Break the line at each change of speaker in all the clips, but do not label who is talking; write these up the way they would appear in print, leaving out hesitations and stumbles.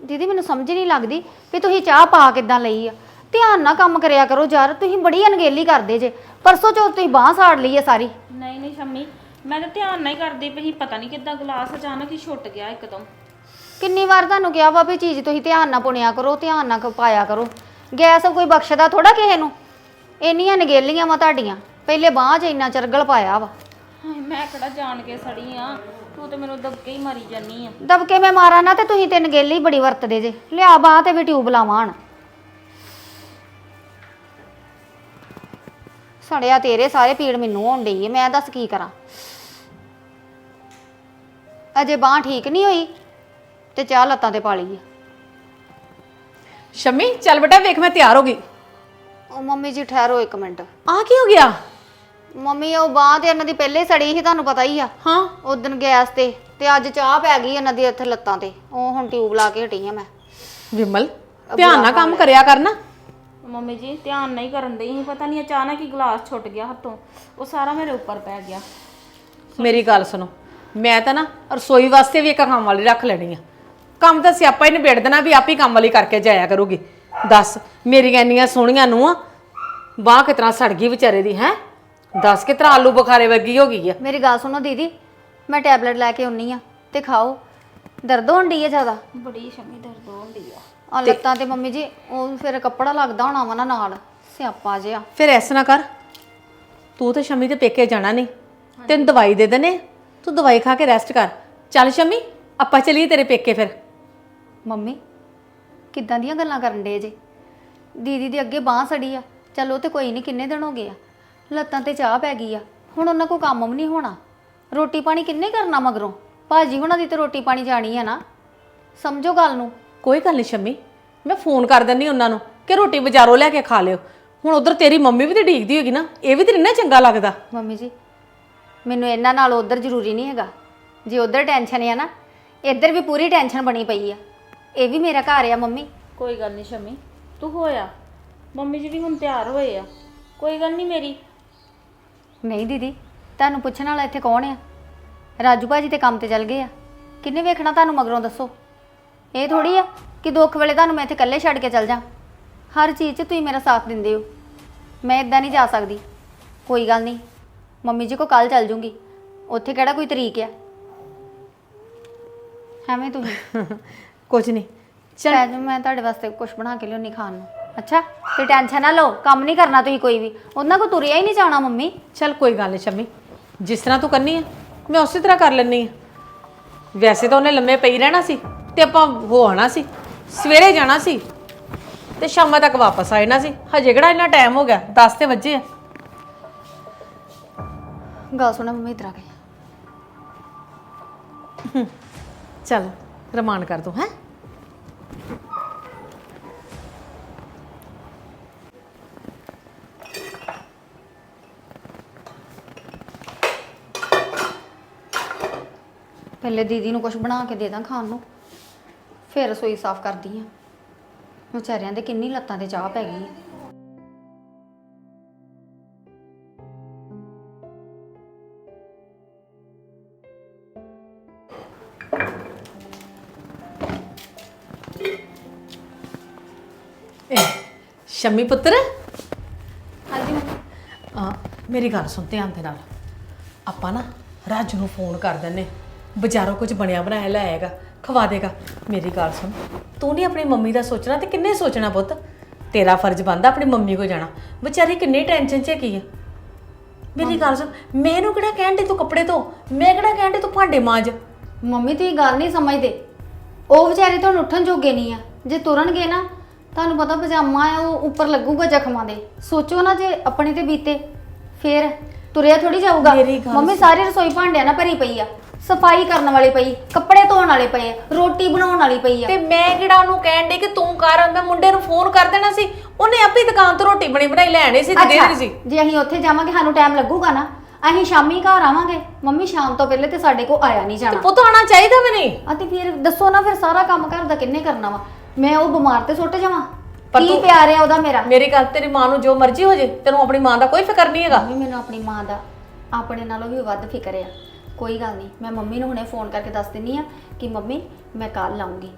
ਦੀਦੀ ਮੈਨੂੰ ਸਮਝ ਨਹੀਂ ਲੱਗਦੀ ਵੀ ਤੁਸੀਂ ਚਾਹ ਪਾ ਕਿੱਦਾਂ ਲਈ ਆ। ਧਿਆਨ ਨਾਲ ਕੰਮ ਕਰਿਆ ਕਰੋ ਯਾਰ, ਤੁਸੀਂ ਬੜੀ ਅਣਗਹਿਲੀ ਕਰਦੇ ਜੇ। ਪਰਸੋਂ ਚੌਥ ਤੁਸੀਂ ਬਾਂਹ ਸਾੜ ਲਈ ਆ ਸਾਰੀ।
ਨਹੀਂ ਨਹੀਂ ਸ਼ੰਮੀ, ਮੈਂ ਤਾਂ ਧਿਆਨ ਨਾਲ ਹੀ ਕਰਦੀ ਪਈ, ਪਤਾ ਨਹੀਂ ਕਿੱਦਾਂ ਗਲਾਸ ਅਚਾਨਕ ਹੀ ਛੁੱਟ ਗਿਆ ਇੱਕਦਮ।
ਕਿੰਨੀ ਵਾਰ ਤੁਹਾਨੂੰ ਕਿਹਾ ਵਾ ਵੀ ਚੀਜ਼ ਤੁਸੀਂ ਧਿਆਨ ਨਾਲ ਪੁਣਿਆ ਕਰੋ, ਧਿਆਨ ਨਾਲ ਪਾਇਆ ਕਰੋ। ਗੈਸ ਕੋਈ ਬਖਸ਼ਦਾ ਥੋੜਾ ਕਿਸੇ ਨੂੰ। ਇੰਨੀਆਂ ਨਗੇਲੀਆਂ ਵਾ ਤੁਹਾਡੀਆਂ, ਪਹਿਲੇ ਬਾਂਹ 'ਚ ਇੰਨਾ ਚਰਗਲ ਪਾਇਆ ਵਾ।
ਹਾਏ ਮੈਂ ਕਿਹੜਾ ਜਾਣ ਕੇ ਸੜੀ ਆ, ਤੂੰ ਤੇ ਮੈਨੂੰ ਦਬਕੇ ਹੀ ਮਾਰੀ ਜਾਨੀ ਆ।
ਦਬਕੇ ਮੈਂ ਮਾਰਾਂ ਨਾ ਤੇ ਤੁਸੀਂ ਤੇ ਨਗੇਲੀ ਬੜੀ ਵਰਤਦੇ ਜੇ। ਲਿਆ ਬਾਂਹ ਤੇ ਵੀ ਟਿਊਬ ਲਾਵਾਂ ਹਣ। ਸੜਿਆ ਤੇਰੇ ਸਾਰੇ ਪੀੜ ਮੈਨੂੰ ਹੋਣ ਡਈ ਏ, ਮੈਂ ਦੱਸ ਕੀ ਕਰਾਂ। ਅਜੇ ਬਾਂਹ ਠੀਕ ਨਹੀਂ ਹੋਈ ਤੇ ਚਾਹ ਲੱਤਾਂ ਤੇ ਪਾ ਲਈ ਆ।
ਸ਼ਮੀ ਚੱਲ ਬੇਟਾ ਵੇਖ ਮੈਂ ਤਿਆਰ ਹੋ ਗਈ।
ਉਹ ਮੰਮੀ ਜੀ ਠਹਿਰੋ ਇੱਕ ਮਿੰਟ।
ਆ ਕੀ ਹੋ ਗਿਆ?
ਮੰਮੀ ਉਹ ਬਾਂਹ ਤੇ ਇਹਨਾਂ ਦੀ ਪਹਿਲੇ ਸੜੀ ਸੀ, ਤੁਹਾਨੂੰ ਪਤਾ ਹੀ ਆ।
ਹਾਂ
ਉਦਣ ਗੈਸ ਤੇ ਅੱਜ ਚਾਹ ਪੈ ਗਈ ਇਹਨਾਂ ਦੀ ਇੱਥੇ ਲੱਤਾਂ ਤੇ। ਉਹ ਹੁਣ ਟਿਊਬ ਲਾ ਕੇ ਹਟੀ ਆ ਮੈਂ।
ਵਿਮਲ ਧਿਆਨ ਨਾਲ ਕੰਮ ਕਰਿਆ ਕਰਨਾ।
ਮੰਮੀ ਜੀ ਧਿਆਨ ਨਹੀਂ ਕਰਨ ਡਈ ਸੀ, ਪਤਾ ਨਹੀਂ ਅਚਾਨਕ ਹੀ ਗਲਾਸ ਛੁੱਟ ਗਿਆ ਹੱਥੋਂ, ਉਹ ਸਾਰਾ ਮੇਰੇ ਉੱਪਰ ਪੈ ਗਿਆ।
ਮੇਰੀ ਗੱਲ ਸੁਣੋ, ਮੈਂ ਤਾਂ ਨਾ ਰਸੋਈ ਵਾਸਤੇ ਵੀ ਇੱਕ ਕੰਮ ਵਾਲੀ ਰੱਖ ਲੈਣੀ ਆ। ਕੰਮ ਤਾਂ ਸਿਆਪਾ ਹੀ ਨਿਬੇੜ ਦੇਣਾ ਵੀ ਆਪੇ ਕੰਮ ਵਾਲੀ ਕਰਕੇ ਜਾਇਆ ਕਰੂਗੀ। ਦੱਸ ਮੇਰੀਆਂ ਇੰਨੀਆਂ ਸੋਹਣੀਆਂ ਨੂੰ ਬਾਂਹ ਕਿਤਨਾ ਸੜ ਗਈ ਵਿਚਾਰੇ ਦੀ ਹੈ। ਦੱਸ ਕਿਤਨਾ ਆਲੂ ਬੁਖਾਰੇ ਵਰਗੀ ਹੋ ਗਈ ਆ।
ਮੇਰੀ ਗੱਲ ਸੁਣੋ ਦੀਦੀ, ਮੈਂ ਟੈਬਲੇਟ ਲੈ ਕੇ ਆਉਣੀ ਆ ਤੇ ਖਾਓ। ਦਰਦ ਹੋਣ ਡਈ ਆ ਜ਼ਿਆਦਾ?
ਬੜੀ ਸ਼ੰਮੀ ਦਰਦ ਹੋਣ ਡਈ ਆ।
ਆ ਲੱਤਾਂ ਤੇ ਮੰਮੀ ਜੀ ਉਹ ਫਿਰ ਕੱਪੜਾ ਲੱਗਦਾ ਹੋਣਾ ਵਾ ਨਾ ਨਾਲ, ਸਿਆਪਾ ਜਿਹਾ।
ਫਿਰ ਐਸ ਨਾ ਕਰ, ਤੂੰ ਤੇ ਸ਼ਮੀ ਦੇ ਪੇਕੇ ਜਾਣਾ ਨਹੀਂ, ਤੈਨੂੰ ਦਵਾਈ ਦੇ ਦੇਣੇ, ਤੂੰ ਦਵਾਈ ਖਾ ਕੇ ਰੈਸਟ ਕਰ। ਚੱਲ ਸ਼ਮੀ ਆਪਾਂ ਚਲੀਏ ਤੇਰੇ ਪੇਕੇ। ਫਿਰ
ਮੰਮੀ ਕਿੱਦਾਂ ਦੀਆਂ ਗੱਲਾਂ ਕਰਨ ਡੇ ਜੇ? ਦੀਦੀ ਦੀ ਅੱਗੇ ਬਾਂਹ ਸੜੀ ਆ, ਚਲੋ ਤੇ ਕੋਈ ਨਹੀਂ, ਕਿੰਨੇ ਦਿਨ ਹੋ ਗਏ ਆ। ਲੱਤਾਂ ਤੇ ਚਾਹ ਪੈ ਗਈ ਆ, ਹੁਣ ਉਹਨਾਂ ਕੋਲ ਕੰਮ ਵੀ ਨਹੀਂ ਹੋਣਾ। ਰੋਟੀ ਪਾਣੀ ਕਿੰਨੇ ਕਰਨਾ ਮਗਰੋਂ? ਭਾਜੀ ਹੁਣਾਂ ਦੀ ਤੇ ਰੋਟੀ ਪਾਣੀ ਜਾਣੀ ਆ ਨਾ, ਸਮਝੋ ਗੱਲ ਨੂੰ।
ਕੋਈ ਗੱਲ ਨਹੀਂ ਸ਼ਮੀ, ਮੈਂ ਫੋਨ ਕਰ ਦਿੰਦੀ ਉਹਨਾਂ ਨੂੰ ਕਿ ਰੋਟੀ ਬਾਜ਼ਾਰੋਂ ਲੈ ਕੇ ਖਾ ਲਿਓ। ਹੁਣ ਉਧਰ ਤੇਰੀ ਮੰਮੀ ਵੀ ਤੇ ਢੀਕਦੀ ਹੋਗੀ ਨਾ, ਇਹ ਵੀ ਤੇ ਨਹੀਂ ਨਾ ਚੰਗਾ ਲੱਗਦਾ।
ਮੰਮੀ ਜੀ ਮੈਨੂੰ ਇਹਨਾਂ ਨਾਲ ਉਧਰ ਜ਼ਰੂਰੀ ਨਹੀਂ ਹੈਗਾ। ਜੇ ਉਧਰ ਟੈਨਸ਼ਨ ਆ ਨਾ, ਇੱਧਰ ਵੀ ਪੂਰੀ ਟੈਨਸ਼ਨ ਬਣੀ ਪਈ ਆ। ਇਹ ਵੀ ਮੇਰਾ ਘਰ ਆ ਮੰਮੀ।
ਕੋਈ ਗੱਲ ਨਹੀਂ ਸ਼ੰਮੀ, ਤੂੰ ਹੋਇਆ। ਮੰਮੀ ਜੀ ਵੀ ਹੁਣ ਤਿਆਰ ਹੋਏ ਆ, ਕੋਈ ਗੱਲ ਨਹੀਂ ਮੇਰੀ।
ਨਹੀਂ ਦੀਦੀ, ਤੁਹਾਨੂੰ ਪੁੱਛਣ ਵਾਲਾ ਇੱਥੇ ਕੌਣ ਆ? ਰਾਜੂ ਭਾਜੀ ਤੇ ਕੰਮ ਤੇ ਚਲ ਗਏ ਆ, ਕਿੰਨੇ ਵੇਖਣਾ ਤੁਹਾਨੂੰ ਮਗਰੋਂ? ਦੱਸੋ। ਇਹ ਥੋੜੀ ਆ ਕਿ ਦੁੱਖ ਵੇਲੇ ਤੁਹਾਨੂੰ ਮੈਂ ਇੱਥੇ ਇਕੱਲੇ ਛੱਡ ਕੇ ਚਲ ਜਾ। ਹਰ ਚੀਜ਼ 'ਚ ਤੁਸੀਂ ਮੇਰਾ ਸਾਥ ਦਿੰਦੇ ਹੋ, ਮੈਂ ਇਦਾਂ ਨਹੀਂ ਜਾ ਸਕਦੀ। ਕੋਈ ਗੱਲ ਨਹੀਂ, ਮੰਮੀ ਜੀ ਕੋ ਕੱਲ ਚੱਲ ਜੂੰਗੀ, ਉੱਥੇ ਕਿਹੜਾ ਕੋਈ ਤਰੀਕ ਆ। ਐਵੇਂ ਤੁਸੀਂ
ਕੁਝ ਨਹੀਂ ਚੱਲ
ਚੱਲ ਮੈਂ ਤੁਹਾਡੇ ਵਾਸਤੇ ਕੁਝ ਬਣਾ ਕੇ ਲਿਆਉਣੀ ਖਾਣ ਨੂੰ। ਅੱਛਾ ਤੇ ਟੈਨਸ਼ਨ ਨਾ ਲਓ, ਕੰਮ ਨਹੀਂ ਕਰਨਾ ਤੁਸੀਂ ਕੋਈ ਵੀ। ਉਹਨਾਂ ਕੋ ਤੁਰਿਆ ਹੀ ਨਹੀਂ ਜਾਣਾ ਮੰਮੀ।
ਚੱਲ ਕੋਈ ਗੱਲ ਨਹੀਂ ਸ਼ਮੀ, ਜਿਸ ਤਰ੍ਹਾਂ ਤੂੰ ਕਰਨੀ ਆ ਮੈਂ ਉਸੇ ਤਰ੍ਹਾਂ ਕਰ ਲੈਣੀ ਆ। ਵੈਸੇ ਤਾਂ ਉਹਨੇ ਲੰਮੇ ਪਈ ਰਹਿਣਾ ਸੀ ਤੇ ਆਪਾਂ ਹੋ ਆਣਾ ਸੀ, ਸਵੇਰੇ ਜਾਣਾ ਸੀ ਤੇ ਸ਼ਾਮਾਂ ਤੱਕ ਵਾਪਸ ਆ ਜਾਣਾ ਸੀ। ਹਜੇ ਕਿਹੜਾ ਇੰਨਾ ਟਾਈਮ ਹੋ ਗਿਆ, 10 ਤੇ ਵੱਜੇ ਆ।
ਗੱਲ ਸੁਣਾ ਮੰਮੀ, ਇਧਰ ਆ ਕੇ।
ਚੱਲ ਰਮਾਨ ਕਰ ਤੂੰ ਹੈ।
ਪਹਿਲੇ ਦੀਦੀ ਨੂੰ ਕੁਝ ਬਣਾ ਕੇ ਦੇ ਦਾਂ ਖਾਣ ਨੂੰ, ਫਿਰ ਰਸੋਈ ਸਾਫ਼ ਕਰਦੀ ਆ। ਵਿਚਾਰਿਆਂ ਦੇ ਕਿੰਨੀ ਲੱਤਾਂ ਤੇ ਚਾਹ ਪੈ ਗਈ ਆ।
ਸ਼ਮੀ ਪੁੱਤਰ,
ਹਾਂਜੀ
ਮੇਰੀ ਗੱਲ ਸੁਣ ਧਿਆਨ ਦੇ ਨਾਲ। ਆਪਾਂ ਨਾ ਰਾਜੂ ਨੂੰ ਫੋਨ ਕਰ ਦਿੰਨੇ, ਬਾਜ਼ਾਰੋਂ ਕੁਝ ਬਣਿਆ ਬਣਾਇਆ ਲੈ ਆਏਗਾ, ਖਵਾ ਦੇਗਾ। ਮੇਰੀ ਗੱਲ ਸੁਣ, ਤੂੰ ਨਹੀਂ ਆਪਣੀ ਮੰਮੀ ਦਾ ਸੋਚਣਾ ਤੇ ਕਿੰਨੇ ਸੋਚਣਾ ਪੁੱਤ? ਤੇਰਾ ਫਰਜ਼ ਬਣਦਾ ਆਪਣੀ ਮੰਮੀ ਕੋ ਜਾਣਾ। ਵਿਚਾਰੀ ਕਿੰਨੀ ਟੈਨਸ਼ਨ 'ਚ ਹੈਗੀ ਆ। ਮੇਰੀ ਗੱਲ ਸੁਣ, ਮੈਨੂੰ ਕਿਹੜਾ ਕਹਿਣ ਦੇ ਤੂੰ ਕੱਪੜੇ ਧੋ, ਮੈਂ ਕਿਹੜਾ ਕਹਿਣ ਦੇ ਤੂੰ ਭਾਂਡੇ ਮਾਂਜ।
ਮੰਮੀ ਤੁਸੀਂ ਗੱਲ ਨਹੀਂ ਸਮਝਦੇ। ਉਹ ਵਿਚਾਰੇ ਤੁਹਾਨੂੰ ਉੱਠਣ ਜੋਗੇ ਨਹੀਂ ਆ। ਜੇ ਤੁਰਨਗੇ ਨਾ, ਤੁਹਾਨੂੰ ਪਤਾ ਪਜਾਮਾ ਆ ਉਹ ਉੱਪਰ ਲੱਗੂਗਾ ਜ਼ਖਮਾਂ ਦੇ। ਸੋਚੋ ਨਾ ਜੇ ਆਪਣੇ ਤੇ ਬੀਤੇ, ਫੇਰ ਤੁਰਿਆ ਥੋੜੀ ਜਾਊਗਾ। ਮੰਮੀ ਸਾਰੀ ਰਸੋਈ ਭਾਂਡਿਆਂ ਨਾਲ ਭਰੀ ਪਈ ਆ, ਸਫਾਈ ਕਰਨ ਵਾਲੀ ਪਈ, ਕੱਪੜੇ ਧੋਣ ਵਾਲੇ ਪਏ ਆ, ਰੋਟੀ ਬਣਾਉਣ ਵਾਲੀ ਪਈ ਆ।
ਤੇ ਮੈਂ ਕਿਹੜਾ ਉਹਨੂੰ ਕਹਿਣ ਦੇ ਕਿ ਤੂੰ ਕਰ, ਮੈਂ ਮੁੰਡੇ ਨੂੰ ਫੋਨ ਕਰ ਦੇਣਾ ਸੀ, ਉਹਨੇ ਆਪੇ ਦੁਕਾਨ ਤੋਂ ਰੋਟੀ ਬਣੀ ਬਣਾਈ ਲੈ ਆਣੀ ਸੀ ਤੇ ਦੇ ਦੇਣੀ ਸੀ।
ਜੇ ਅਸੀਂ ਉੱਥੇ ਜਾਵਾਂਗੇ ਸਾਨੂੰ ਟਾਈਮ ਲੱਗੂਗਾ ਨਾ, ਅਸੀਂ ਸ਼ਾਮੀ ਘਰ ਆਵਾਂਗੇ। ਮੰਮੀ ਸ਼ਾਮ ਤੋਂ ਪਹਿਲੇ ਤੇ ਸਾਡੇ ਕੋਲ ਆਇਆ ਨਹੀਂ ਜਾਣਾ।
ਪੁੱਤ ਆਣਾ ਚਾਹੀਦਾ ਵੀ ਨਹੀਂ।
ਅਤੇ ਫਿਰ ਦੱਸੋ ਨਾ, ਫਿਰ ਸਾਰਾ ਕੰਮ ਘਰ ਦਾ ਕਿੰਨੇ ਕਰਨਾ ਵਾ? ਮੈਂ ਉਹ ਬਿਮਾਰ ਤੇ ਸੁੱਟ ਜਾਵਾਂ?
ਪਰ
ਕੀ
ਤੂੰ
ਪਿਆਰ ਆ ਉਹਦਾ ਮੇਰਾ?
ਮੇਰੀ ਗੱਲ, ਤੇਰੀ ਮਾਂ ਨੂੰ ਜੋ ਮਰਜ਼ੀ ਹੋ ਜੇ, ਤੈਨੂੰ ਆਪਣੀ ਮਾਂ ਦਾ ਕੋਈ ਫਿਕਰ ਨਹੀਂ ਹੈਗਾ।
ਮੰਮੀ ਮੈਨੂੰ ਆਪਣੀ ਮਾਂ ਦਾ ਆਪਣੇ ਨਾਲੋਂ ਵੀ ਵੱਧ ਫਿਕਰ ਆ। ਕੋਈ ਗੱਲ ਨਹੀਂ, ਮੈਂ ਮੰਮੀ ਨੂੰ ਹੁਣੇ ਫੋਨ ਕਰਕੇ ਦੱਸ ਦਿੰਨੀ ਆ ਕਿ ਮੰਮੀ ਮੈਂ ਕੱਲ ਆਉਂਗੀ।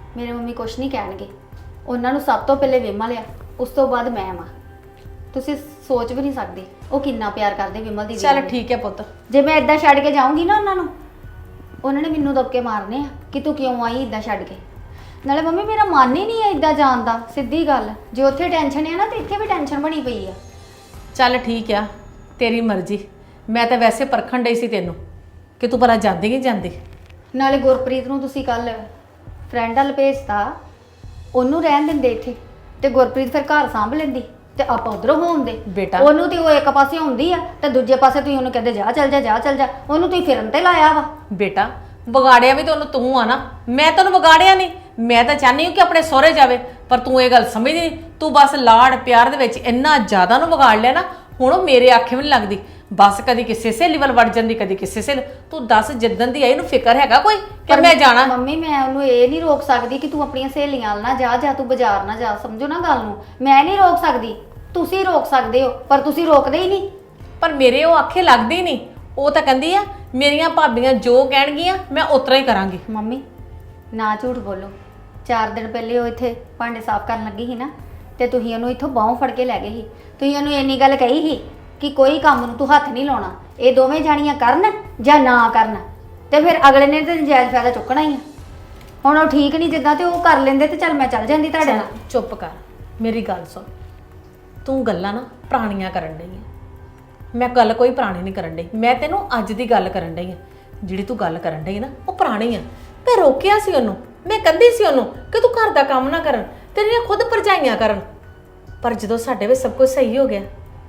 ਮੇਰੇ ਮੰਮੀ ਕੁਛ ਨਹੀਂ ਕਹਿਣਗੇ। ਉਹਨਾਂ ਨੂੰ ਸਭ ਤੋਂ ਪਹਿਲੇ ਵਿਮਲ ਆ, ਉਸ ਤੋਂ ਬਾਅਦ ਮੈਂ ਆ। ਤੁਸੀਂ ਸੋਚ ਵੀ ਨਹੀਂ ਸਕਦੇ ਉਹ ਕਿੰਨਾ ਪਿਆਰ ਕਰਦੇ ਵਿਮਲ ਦੀ।
ਚੱਲ ਠੀਕ ਹੈ ਪੁੱਤ।
ਜੇ ਮੈਂ ਇਦਾਂ ਛੱਡ ਕੇ ਜਾਊਂਗੀ ਨਾ ਉਹਨਾਂ ਨੂੰ, ਉਹਨਾਂ ਨੇ ਮੈਨੂੰ ਦਬਕੇ ਮਾਰਨੇ ਆ ਕਿ ਤੂੰ ਕਿਉਂ ਆਈ ਇਦਾਂ ਛੱਡ ਕੇ। ਨਾਲੇ ਮੰਮੀ ਮੇਰਾ ਮਨ ਹੀ ਨਹੀਂ ਹੈ ਇਦਾਂ ਜਾਣ ਦਾ, ਸਿੱਧੀ ਗੱਲ। ਜੇ ਉੱਥੇ ਟੈਨਸ਼ਨ ਹੈ ਨਾ ਤੇ ਇੱਥੇ ਵੀ ਟੈਨਸ਼ਨ ਬਣੀ ਪਈ ਆ।
ਚੱਲ ਠੀਕ ਆ, ਤੇਰੀ ਮਰਜ਼ੀ। ਮੈਂ ਤਾਂ ਵੈਸੇ ਪਰਖਣ ਡਈ ਸੀ ਤੈਨੂੰ ਕਿ ਤੂੰ ਭਲਾ ਜਾਂਦੀ ਕਿ ਜਾਂਦੀ।
ਨਾਲੇ ਗੁਰਪ੍ਰੀਤ ਨੂੰ ਤੁਸੀਂ ਕੱਲ ਫਰੈਂਡ ਵੱਲ ਭੇਜਤਾ, ਉਹਨੂੰ ਰਹਿਣ ਦਿੰਦੇ ਇੱਥੇ ਤੇ ਗੁਰਪ੍ਰੀਤ ਫਿਰ ਘਰ ਸੰਭ ਲੈਂਦੀ ਤੇ ਆਪਾਂ ਉਧਰੋਂ ਹੋਉਂਦੇ।
ਬੇਟਾ
ਉਹਨੂੰ ਤੇ ਉਹ ਇੱਕ ਪਾਸੇ ਹੁੰਦੀ ਆ ਤੇ ਦੂਜੇ ਪਾਸੇ ਤੁਸੀਂ ਉਹਨੂੰ ਕਹਿੰਦੇ ਜਾ ਚੱਲ ਜਾ ਜਾ ਚੱਲ ਜਾ। ਉਹਨੂੰ ਤੁਸੀਂ ਫਿਰਨ ਤੇ ਲਾਇਆ ਵਾ।
ਬੇਟਾ ਵਿਗਾੜਿਆ ਵੀ ਤੁਹਾਨੂੰ ਤੂੰ ਆ ਨਾ, ਮੈਂ ਤੈਨੂੰ ਵਿਗਾੜਿਆ ਨਹੀਂ। ਮੈਂ ਤਾਂ ਚਾਹਨੀ ਹਾਂ ਕਿ ਆਪਣੇ ਸਹੁਰੇ ਜਾਵੇ, ਪਰ ਤੂੰ ਇਹ ਗੱਲ ਸਮਝਦੀ ਨਹੀਂ। ਤੂੰ ਬਸ ਲਾੜ ਪਿਆਰ ਦੇ ਵਿੱਚ ਇੰਨਾ ਜ਼ਿਆਦਾ ਨੂੰ ਵਿਗਾੜ ਲਿਆ ਨਾ, ਹੁਣ ਉਹ ਮੇਰੇ ਆਖੇ ਵੀ ਨਹੀਂ ਲੱਗਦੀ। ਬਸ ਕਦੀ ਕਿਸੇ ਸਹੇਲੀ ਵੱਲ ਵੜ ਜਾਂਦੀ, ਕਦੀ ਕਿਸੇ ਸਹੇਲੀ। ਤੂੰ ਦੱਸ ਜਿੱਦਣ ਦੀ ਆਈ ਇਹਨੂੰ ਫਿਕਰ ਹੈਗਾ ਕੋਈ ਕਿ ਮੈਂ ਜਾਣਾ?
ਮੰਮੀ ਮੈਂ ਉਹਨੂੰ ਇਹ ਨਹੀਂ ਰੋਕ ਸਕਦੀ ਕਿ ਤੂੰ ਆਪਣੀਆਂ ਸਹੇਲੀਆਂ ਨਾਲ ਨਾ ਜਾ, ਜਾਂ ਤੂੰ ਬਾਜ਼ਾਰ ਨਾ ਜਾ। ਸਮਝੋ ਨਾ ਗੱਲ ਨੂੰ, ਮੈਂ ਨਹੀਂ ਰੋਕ ਸਕਦੀ। ਤੁਸੀਂ ਰੋਕ ਸਕਦੇ ਹੋ ਪਰ ਤੁਸੀਂ ਰੋਕਦੇ ਹੀ ਨਹੀਂ।
ਪਰ ਮੇਰੇ ਉਹ ਆਖੇ ਲੱਗਦੀ ਹੀ ਨਹੀਂ। ਉਹ ਤਾਂ ਕਹਿੰਦੀ ਆ ਮੇਰੀਆਂ ਭਾਬੀਆਂ ਜੋ ਕਹਿਣਗੀਆਂ ਮੈਂ ਉਤਰਾ ਹੀ ਕਰਾਂਗੀ।
ਮੰਮੀ ਨਾ ਝੂਠ ਬੋਲੋ। 4 ਦਿਨ ਪਹਿਲੇ ਉਹ ਇੱਥੇ ਭਾਂਡੇ ਸਾਫ਼ ਕਰਨ ਲੱਗੀ ਸੀ ਨਾ, ਤੇ ਤੁਸੀਂ ਉਹਨੂੰ ਇੱਥੋਂ ਬਾਹੋਂ ਫੜ ਕੇ ਲੈ ਗਏ ਸੀ। ਤੁਸੀਂ ਉਹਨੂੰ ਇੰਨੀ ਗੱਲ ਕਹੀ ਸੀ ਕਿ ਕੋਈ ਕੰਮ ਨੂੰ ਤੂੰ ਹੱਥ ਨਹੀਂ ਲਾਉਣਾ, ਇਹ ਦੋਵੇਂ ਜਾਣੀਆਂ ਕਰਨ ਜਾਂ ਨਾ ਕਰਨ। ਤੇ ਫਿਰ ਅਗਲੇ ਨੇ ਤੇ ਨਜਾਇਜ਼ ਫਾਇਦਾ ਚੁੱਕਣਾ ਹੀ ਆ। ਹੁਣ ਉਹ ਠੀਕ ਨਹੀਂ ਜਿੱਦਾਂ, ਤੇ ਉਹ ਕਰ ਲੈਂਦੇ ਤੇ ਚੱਲ ਮੈਂ ਚੱਲ ਜਾਂਦੀ ਤੁਹਾਡੇ ਨਾਲ।
ਚੁੱਪ ਕਰ, ਮੇਰੀ ਗੱਲ ਸੁਣ। ਤੂੰ ਗੱਲਾਂ ਨਾ ਪੁਰਾਣੀਆਂ ਕਰਨ ਡਈ ਆ। ਮੈਂ ਗੱਲ ਕੋਈ ਪੁਰਾਣੀ ਨਹੀਂ ਕਰਨ ਡਈ, ਮੈਂ ਤੈਨੂੰ ਅੱਜ ਦੀ ਗੱਲ ਕਰਨ ਡਈ ਆ। ਜਿਹੜੀ ਤੂੰ ਗੱਲ ਕਰਨ ਡਈ ਨਾ ਉਹ ਪੁਰਾਣੀ ਆ। ਮੈਂ ਰੋਕਿਆ ਸੀ ਉਹਨੂੰ, ਮੈਂ ਕਹਿੰਦੀ ਸੀ ਉਹਨੂੰ ਕਿ ਤੂੰ ਘਰ ਦਾ ਕੰਮ ਨਾ ਕਰਨ, ਤੇਰੀਆਂ ਖੁਦ ਭਰਜਾਈਆਂ ਕਰਨ। ਪਰ ਜਦੋਂ ਸਾਡੇ ਵਿੱਚ ਸਭ ਕੁਝ ਸਹੀ ਹੋ ਗਿਆ,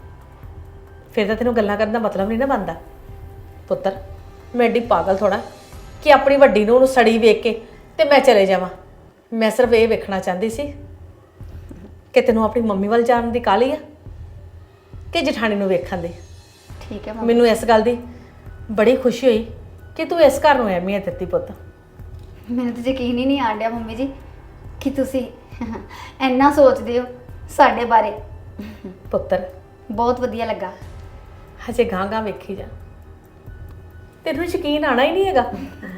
ਫਿਰ ਤਾਂ ਤੈਨੂੰ ਗੱਲਾਂ ਕਰਨ ਦਾ ਮਤਲਬ ਨਹੀਂ ਨਾ ਬਣਦਾ। ਪੁੱਤਰ ਮੈਂ ਐਡੀ ਪਾਗਲ ਥੋੜਾ ਕਿ ਆਪਣੀ ਵੱਡੀ ਨੂੰ ਉਹਨੂੰ ਸੜੀ ਵੇਖ ਕੇ ਤੇ ਮੈਂ ਚਲੇ ਜਾਵਾਂ। ਮੈਂ ਸਿਰਫ ਇਹ ਵੇਖਣਾ ਚਾਹੁੰਦੀ ਸੀ ਕਿ ਤੈਨੂੰ ਆਪਣੀ ਮੰਮੀ ਵੱਲ ਜਾਣ ਦੀ ਕਾਹਲੀ ਆ ਕਿ ਜਠਾਣੀ ਨੂੰ ਵੇਖਣ ਦੀ।
ਠੀਕ ਹੈ ਮੰਮੀ।
ਮੈਨੂੰ ਇਸ ਗੱਲ ਦੀ ਬੜੀ ਖੁਸ਼ੀ ਹੋਈ ਕਿ ਤੂੰ ਇਸ ਘਰ ਨੂੰ ਅਹਿਮੀਅਤ ਦਿੱਤੀ ਪੁੱਤ।
ਮੈਨੂੰ ਤਾਂ ਯਕੀਨ ਹੀ ਨਹੀਂ ਆਣ ਡਿਆ ਮੰਮੀ ਜੀ ਕਿ ਤੁਸੀਂ ਇੰਨਾ ਸੋਚਦੇ ਹੋ ਸਾਡੇ ਬਾਰੇ।
ਪੁੱਤਰ
ਬਹੁਤ ਵਧੀਆ ਲੱਗਾ।
ਹਜੇ ਗਾਂ ਵੇਖੀ ਜਾ, ਤੈਨੂੰ ਯਕੀਨ ਆਣਾ ਹੀ ਨਹੀਂ ਹੈਗਾ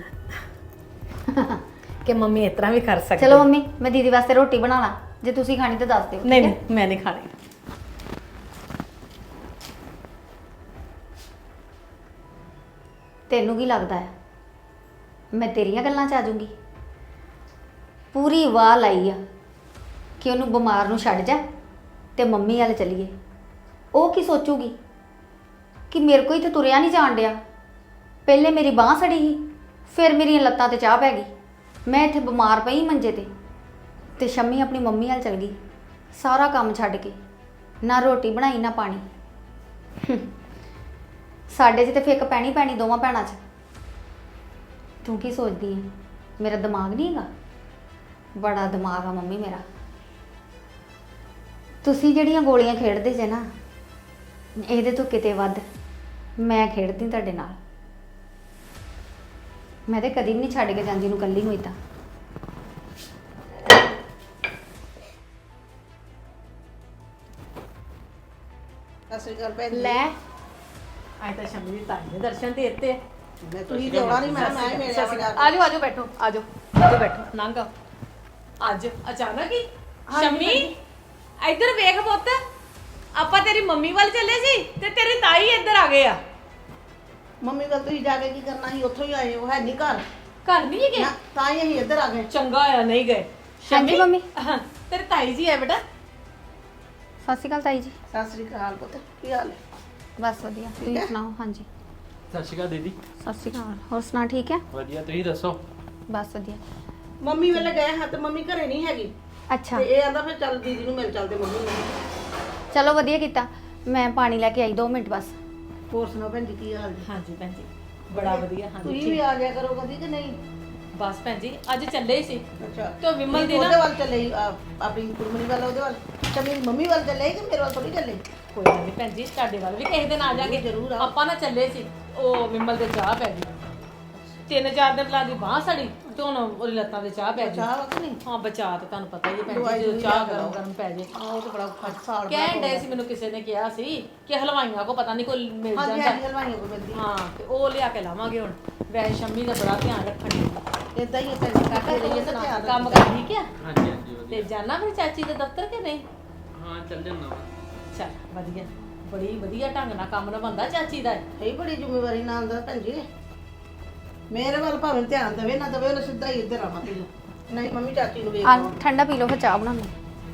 ਕਿ ਮੰਮੀ ਇਸ ਤਰ੍ਹਾਂ ਵੀ ਕਰ ਸਕਦੀ।
ਚਲੋ ਮੰਮੀ ਮੈਂ ਦੀਦੀ ਵਾਸਤੇ ਰੋਟੀ ਬਣਾ ਲਾਂ, ਜੇ ਤੁਸੀਂ ਖਾਣੀ ਤਾਂ ਦੱਸ ਦਿਓ। ਠੀਕ
ਨਹੀਂ
ਹੈ?
ਨਹੀਂ ਮੈਂ ਨਹੀਂ ਖਾਣੀ।
ਤੈਨੂੰ ਕੀ ਲੱਗਦਾ ਹੈ ਮੈਂ ਤੇਰੀਆਂ ਗੱਲਾਂ 'ਚ ਆ ਜਾਊਂਗੀ? ਪੂਰੀ ਵਾਹ ਲਾਈ ਆ ਕਿ ਉਹਨੂੰ ਬਿਮਾਰ ਨੂੰ ਛੱਡ ਜਾ ਤੇ ਮੰਮੀ ਵੱਲ ਚੱਲੀਏ। ਉਹ ਕੀ ਸੋਚੂਗੀ ਕਿ ਮੇਰੇ ਕੋਈ ਤੇ ਤੁਰਿਆ ਨਹੀਂ ਜਾਣ ਡਿਆ। ਪਹਿਲੇ ਮੇਰੀ ਬਾਂਹ ਸੜੀ ਸੀ, ਫਿਰ ਮੇਰੀਆਂ ਲੱਤਾਂ ਤੇ ਚਾਹ ਪੈ ਗਈ। ਮੈਂ ਇੱਥੇ ਬਿਮਾਰ ਪਈ ਮੰਜੇ ਤੇ ਸ਼ੰਮੀ ਆਪਣੀ ਮੰਮੀ ਵੱਲ ਚਲ ਗਈ, ਸਾਰਾ ਕੰਮ ਛੱਡ ਕੇ। ਨਾ ਰੋਟੀ ਬਣਾਈ ਨਾ ਪਾਣੀ। ਸਾਡੇ 'ਚ ਤੇ ਫਿੱਕ ਪੈਣੀ ਦੋਵਾਂ ਭੈਣਾਂ 'ਚ। ਤੂੰ ਕੀ ਸੋਚਦੀ ਹੈ ਮੇਰਾ ਦਿਮਾਗ ਨਹੀਂ ਹੈਗਾ? ਬੜਾ ਦਿਮਾਗ ਆ ਮੰਮੀ ਮੇਰਾ। ਤੁਸੀਂ ਜਿਹੜੀਆਂ ਗੋਲੀਆਂ ਖੇਡਦੇ ਜੇ ਨਾ, ਇਹਦੇ ਤੋਂ ਕਿਤੇ ਵੱਧ ਮੈਂ ਖੇਡਦੀ ਤੁਹਾਡੇ ਨਾਲ। ਮੈਂ ਤੇ ਕਦੀ ਵੀ ਨਹੀਂ ਛੱਡ ਕੇ ਜਾਂਦੀ ਨੂੰ ਇਕੱਲੀ ਨੂੰ ਇਦਾਂ।
ਸਤਿ ਸ਼੍ਰੀ ਅਕਾਲ ਭੈਣ ਜੀ।
ਲੈ ਅੱਜ ਤਾਂ ਸ਼ੰਮੀ ਦੀ ਤਾਈ ਦੇ ਦਰਸ਼ਨ ਦੇ ਦਿੱਤੇ।
ਮੈਂ ਤੁਸੀਂ ਤੇ ਆਉਣਾ ਨਹੀਂ, ਮੈਂ ਮੇਰੇ ਆ ਗਿਆ।
ਆਜੋ ਆਜੋ ਬੈਠੋ, ਆਜੋ ਆਜੋ ਬੈਠੋ, ਲੰਘ ਆਓ। ਅੱਜ ਅਚਾਨਕ ਹੀ ਸ਼ੰਮੀ ਇੱਧਰ ਵੇਖ ਪੁੱਤ, ਆਪਾਂ ਤੇਰੀ ਮੰਮੀ ਵੱਲ ਚੱਲੇ ਸੀ ਤੇ ਤੇਰੀ ਤਾਈ ਇੱਧਰ ਆ ਗਏ ਆ।
ਮੰਮੀ ਵੱਲ ਤੁਸੀਂ ਜਾ ਕੇ ਕੀ ਕਰਨਾ ਸੀ? ਉੱਥੋਂ ਹੀ ਆਏ ਹੋ, ਹੈ ਨਹੀਂ ਘਰ?
ਘਰ ਨਹੀਂ ਗਏ?
ਨਾ, ਤਾਂ ਹੀ ਅਸੀਂ ਇੱਧਰ ਆ ਗਏ।
ਚੰਗਾ ਆ ਨਹੀਂ ਗਏ।
ਹਾਂਜੀ ਮੰਮੀ।
ਹਾਂ, ਤੇਰੀ ਤਾਈ ਜੀ ਹੈ ਬੇਟਾ।
ਸਤਿ ਸ਼੍ਰੀ ਅਕਾਲ ਤਾਈ ਜੀ।
ਸਤਿ ਸ਼੍ਰੀ ਅਕਾਲ ਪੁੱਤ, ਕੀ ਹਾਲ ਹੈ?
ਬਸ ਵਧੀਆ, ਤੁਸੀਂ
ਹੈ?
ਸੁਣਾਓ? ਹਾਂਜੀ
ਸਤਿ ਸ਼੍ਰੀ ਅਕਾਲ ਦੀਦੀ।
ਸਤਿ ਸ਼੍ਰੀ ਅਕਾਲ। ਹੋਰ ਸੁਣਾ ਠੀਕ ਹੈ?
ਵਧੀਆ, ਤੁਸੀਂ ਦੱਸੋ?
ਬਸ ਵਧੀਆ।
ਮੰਮੀ ਵੇਲੇ ਗਏ ਹਾਂ ਤੇ ਮੰਮੀ ਘਰੇ ਨਹੀਂ ਹੈਗੀ
ਅੱਛਾ
ਤੇ ਇਹ ਆਂਦਾ ਫਿਰ ਚੱਲ ਦੀਦੀ ਨੂੰ ਮਿਲ ਚੱਲਦੇ ਮੰਮੀ ਨੂੰ।
ਚਲੋ ਵਧੀਆ ਕੀਤਾ। ਮੈਂ ਪਾਣੀ ਲੈ ਕੇ ਆਈ 2 ਮਿੰਟ ਬਸ।
ਹੋਰ ਸੁਣਾਓ ਭੈਣ ਜੀ, ਕੀ ਹਾਲ ਜੀ?
ਹਾਂਜੀ ਭੈਣ ਜੀ ਬੜਾ ਵਧੀਆ। ਹਾਂਜੀ
ਤੁਸੀਂ ਵੀ ਆ ਜਾਇਆ ਕਰੋ ਕਦੀ ਕਿ ਨਹੀਂ?
ਬਸ ਭੈਣ ਜੀ ਅੱਜ ਚੱਲੇ ਹੀ ਸੀ
ਅੱਛਾ
ਤੇ ਉਹ ਵਿਮਲ ਦੀ
ਉਹਦੇ
ਨਾ
ਵੱਲ ਚੱਲੇ ਆਪਣੀ ਕੁੜਮਣੀ ਵੱਲ, ਉਹਦੇ ਵੱਲ ਤੇ ਮੇਰੀ ਮੰਮੀ ਵੱਲ ਚੱਲੇ ਕਿ ਮੇਰੇ ਵੱਲ ਥੋੜੀ ਚੱਲੇ?
ਕੋਈ ਗੱਲ ਨਹੀਂ ਭੈਣ ਜੀ, ਤੁਹਾਡੇ ਵੱਲ ਵੀ ਕਿਸੇ ਦਿਨ ਆ ਜਾਾਂਗੇ।
ਜ਼ਰੂਰ ਆਓ।
ਆਪਾਂ ਨਾ ਚੱਲੇ ਸੀ, ਉਹ ਵਿਮਲ ਦੇ ਚਾਹ ਪੈ ਗਈ 3-4 ਦਿਨ ਲਾ ਦੀ ਬਾਹ ਸੜੀ ਤੇ ਹੁਣ ਉਹਦੀ ਲੱਤਾਂ ਤੇ ਚਾਹ ਪੈ ਗਈ।
ਚਾਹ ਵਕ ਨਹੀਂ
ਹਾਂ ਬਚਾ ਤੇ ਤੁਹਾਨੂੰ ਪਤਾ ਹੀ ਹੈ ਭੈਣ
ਦਵਾਈ
ਜੀ, ਜਦੋਂ
ਦਵੂਈ
ਚਾਹ
ਲਿਆ ਕੇ
ਗਰਮ
ਲਾਓ।
ਗਰਮ ਪੈ ਜੇ।
ਉਹ ਤਾਂ ਬੜਾ ਸਾਲ
ਕਹਿਣ ਡਏ ਸੀ ਮੈਨੂੰ ਕਿਸੇ ਨੇ ਕਿਹਾ ਸੀ ਕਿ ਹਲਵਾਈਆਂ ਕੋ ਪਤਾ ਨਹੀਂ ਕੋਈ ਮਿਲ
ਹਾਂਜੀ
ਜਾਂਦਾ।
ਹਾਂਜੀ ਹਲਵਾਈਆਂ ਕੋ ਮਿਲਦੀ
ਹਾਂ ਤੇ ਉਹ ਲਿਆ ਕੇ ਲਾਵਾਂਗੇ ਹੁਣ। ਵੈਸੇ ਸ਼ੰਮੀ ਦਾ ਬੜਾ ਧਿਆਨ ਰੱਖਣ ਦੀ।
ਇਦਾਂ ਹੀ ਹੈ ਭੈਣ ਜੀ
ਕਾਕਾ
ਕਰਦੇ ਰਹੀਏ ਤਾਂ
ਤੂੰ
ਧਿਆਨ
ਕੰਮ ਕਰ ਠੀਕ ਆ?
ਹਾਂਜੀ ਹਾਂਜੀ ਵਧੀਆ
ਤੇ ਜਾਣਾ ਫਿਰ ਚਾਚੀ ਦੇ ਦਫ਼ਤਰ ਕਿ ਨਹੀਂ?
ਹਾਂ ਚੱਲ ਜੰਨਾ ਵਾ।
ਚੱਲ ਵਧੀਆ, ਬੜੀ ਵਧੀਆ ਢੰਗ ਨਾਲ ਕੰਮ ਨਿਭਾਉਂਦਾ ਚਾਚੀ ਦਾ।
ਇਹ ਬੜੀ ਜ਼ਿੰਮੇਵਾਰੀ ਨਾਲ ਦਾ ਭੈਣ ਜੀ ਮੇਰੇ ਵੱਲ ਭਾਵੇਂ ਧਿਆਨ ਦੇਵੇ ਨਾ ਦੇਵੇ ਉਹਨੇ ਸਿੱਧਾ ਹੀ ਇੱਧਰ ਆਵਾਂ ਪੀ ਨਹੀਂ ਮੰਮੀ ਚਾਚੀ ਨੂੰ ਵੇਖ
ਆ
ਲਓ।
ਠੰਡਾ ਪੀ ਲਓ ਫਿਰ ਚਾਹ ਬਣਾ ਲਓ।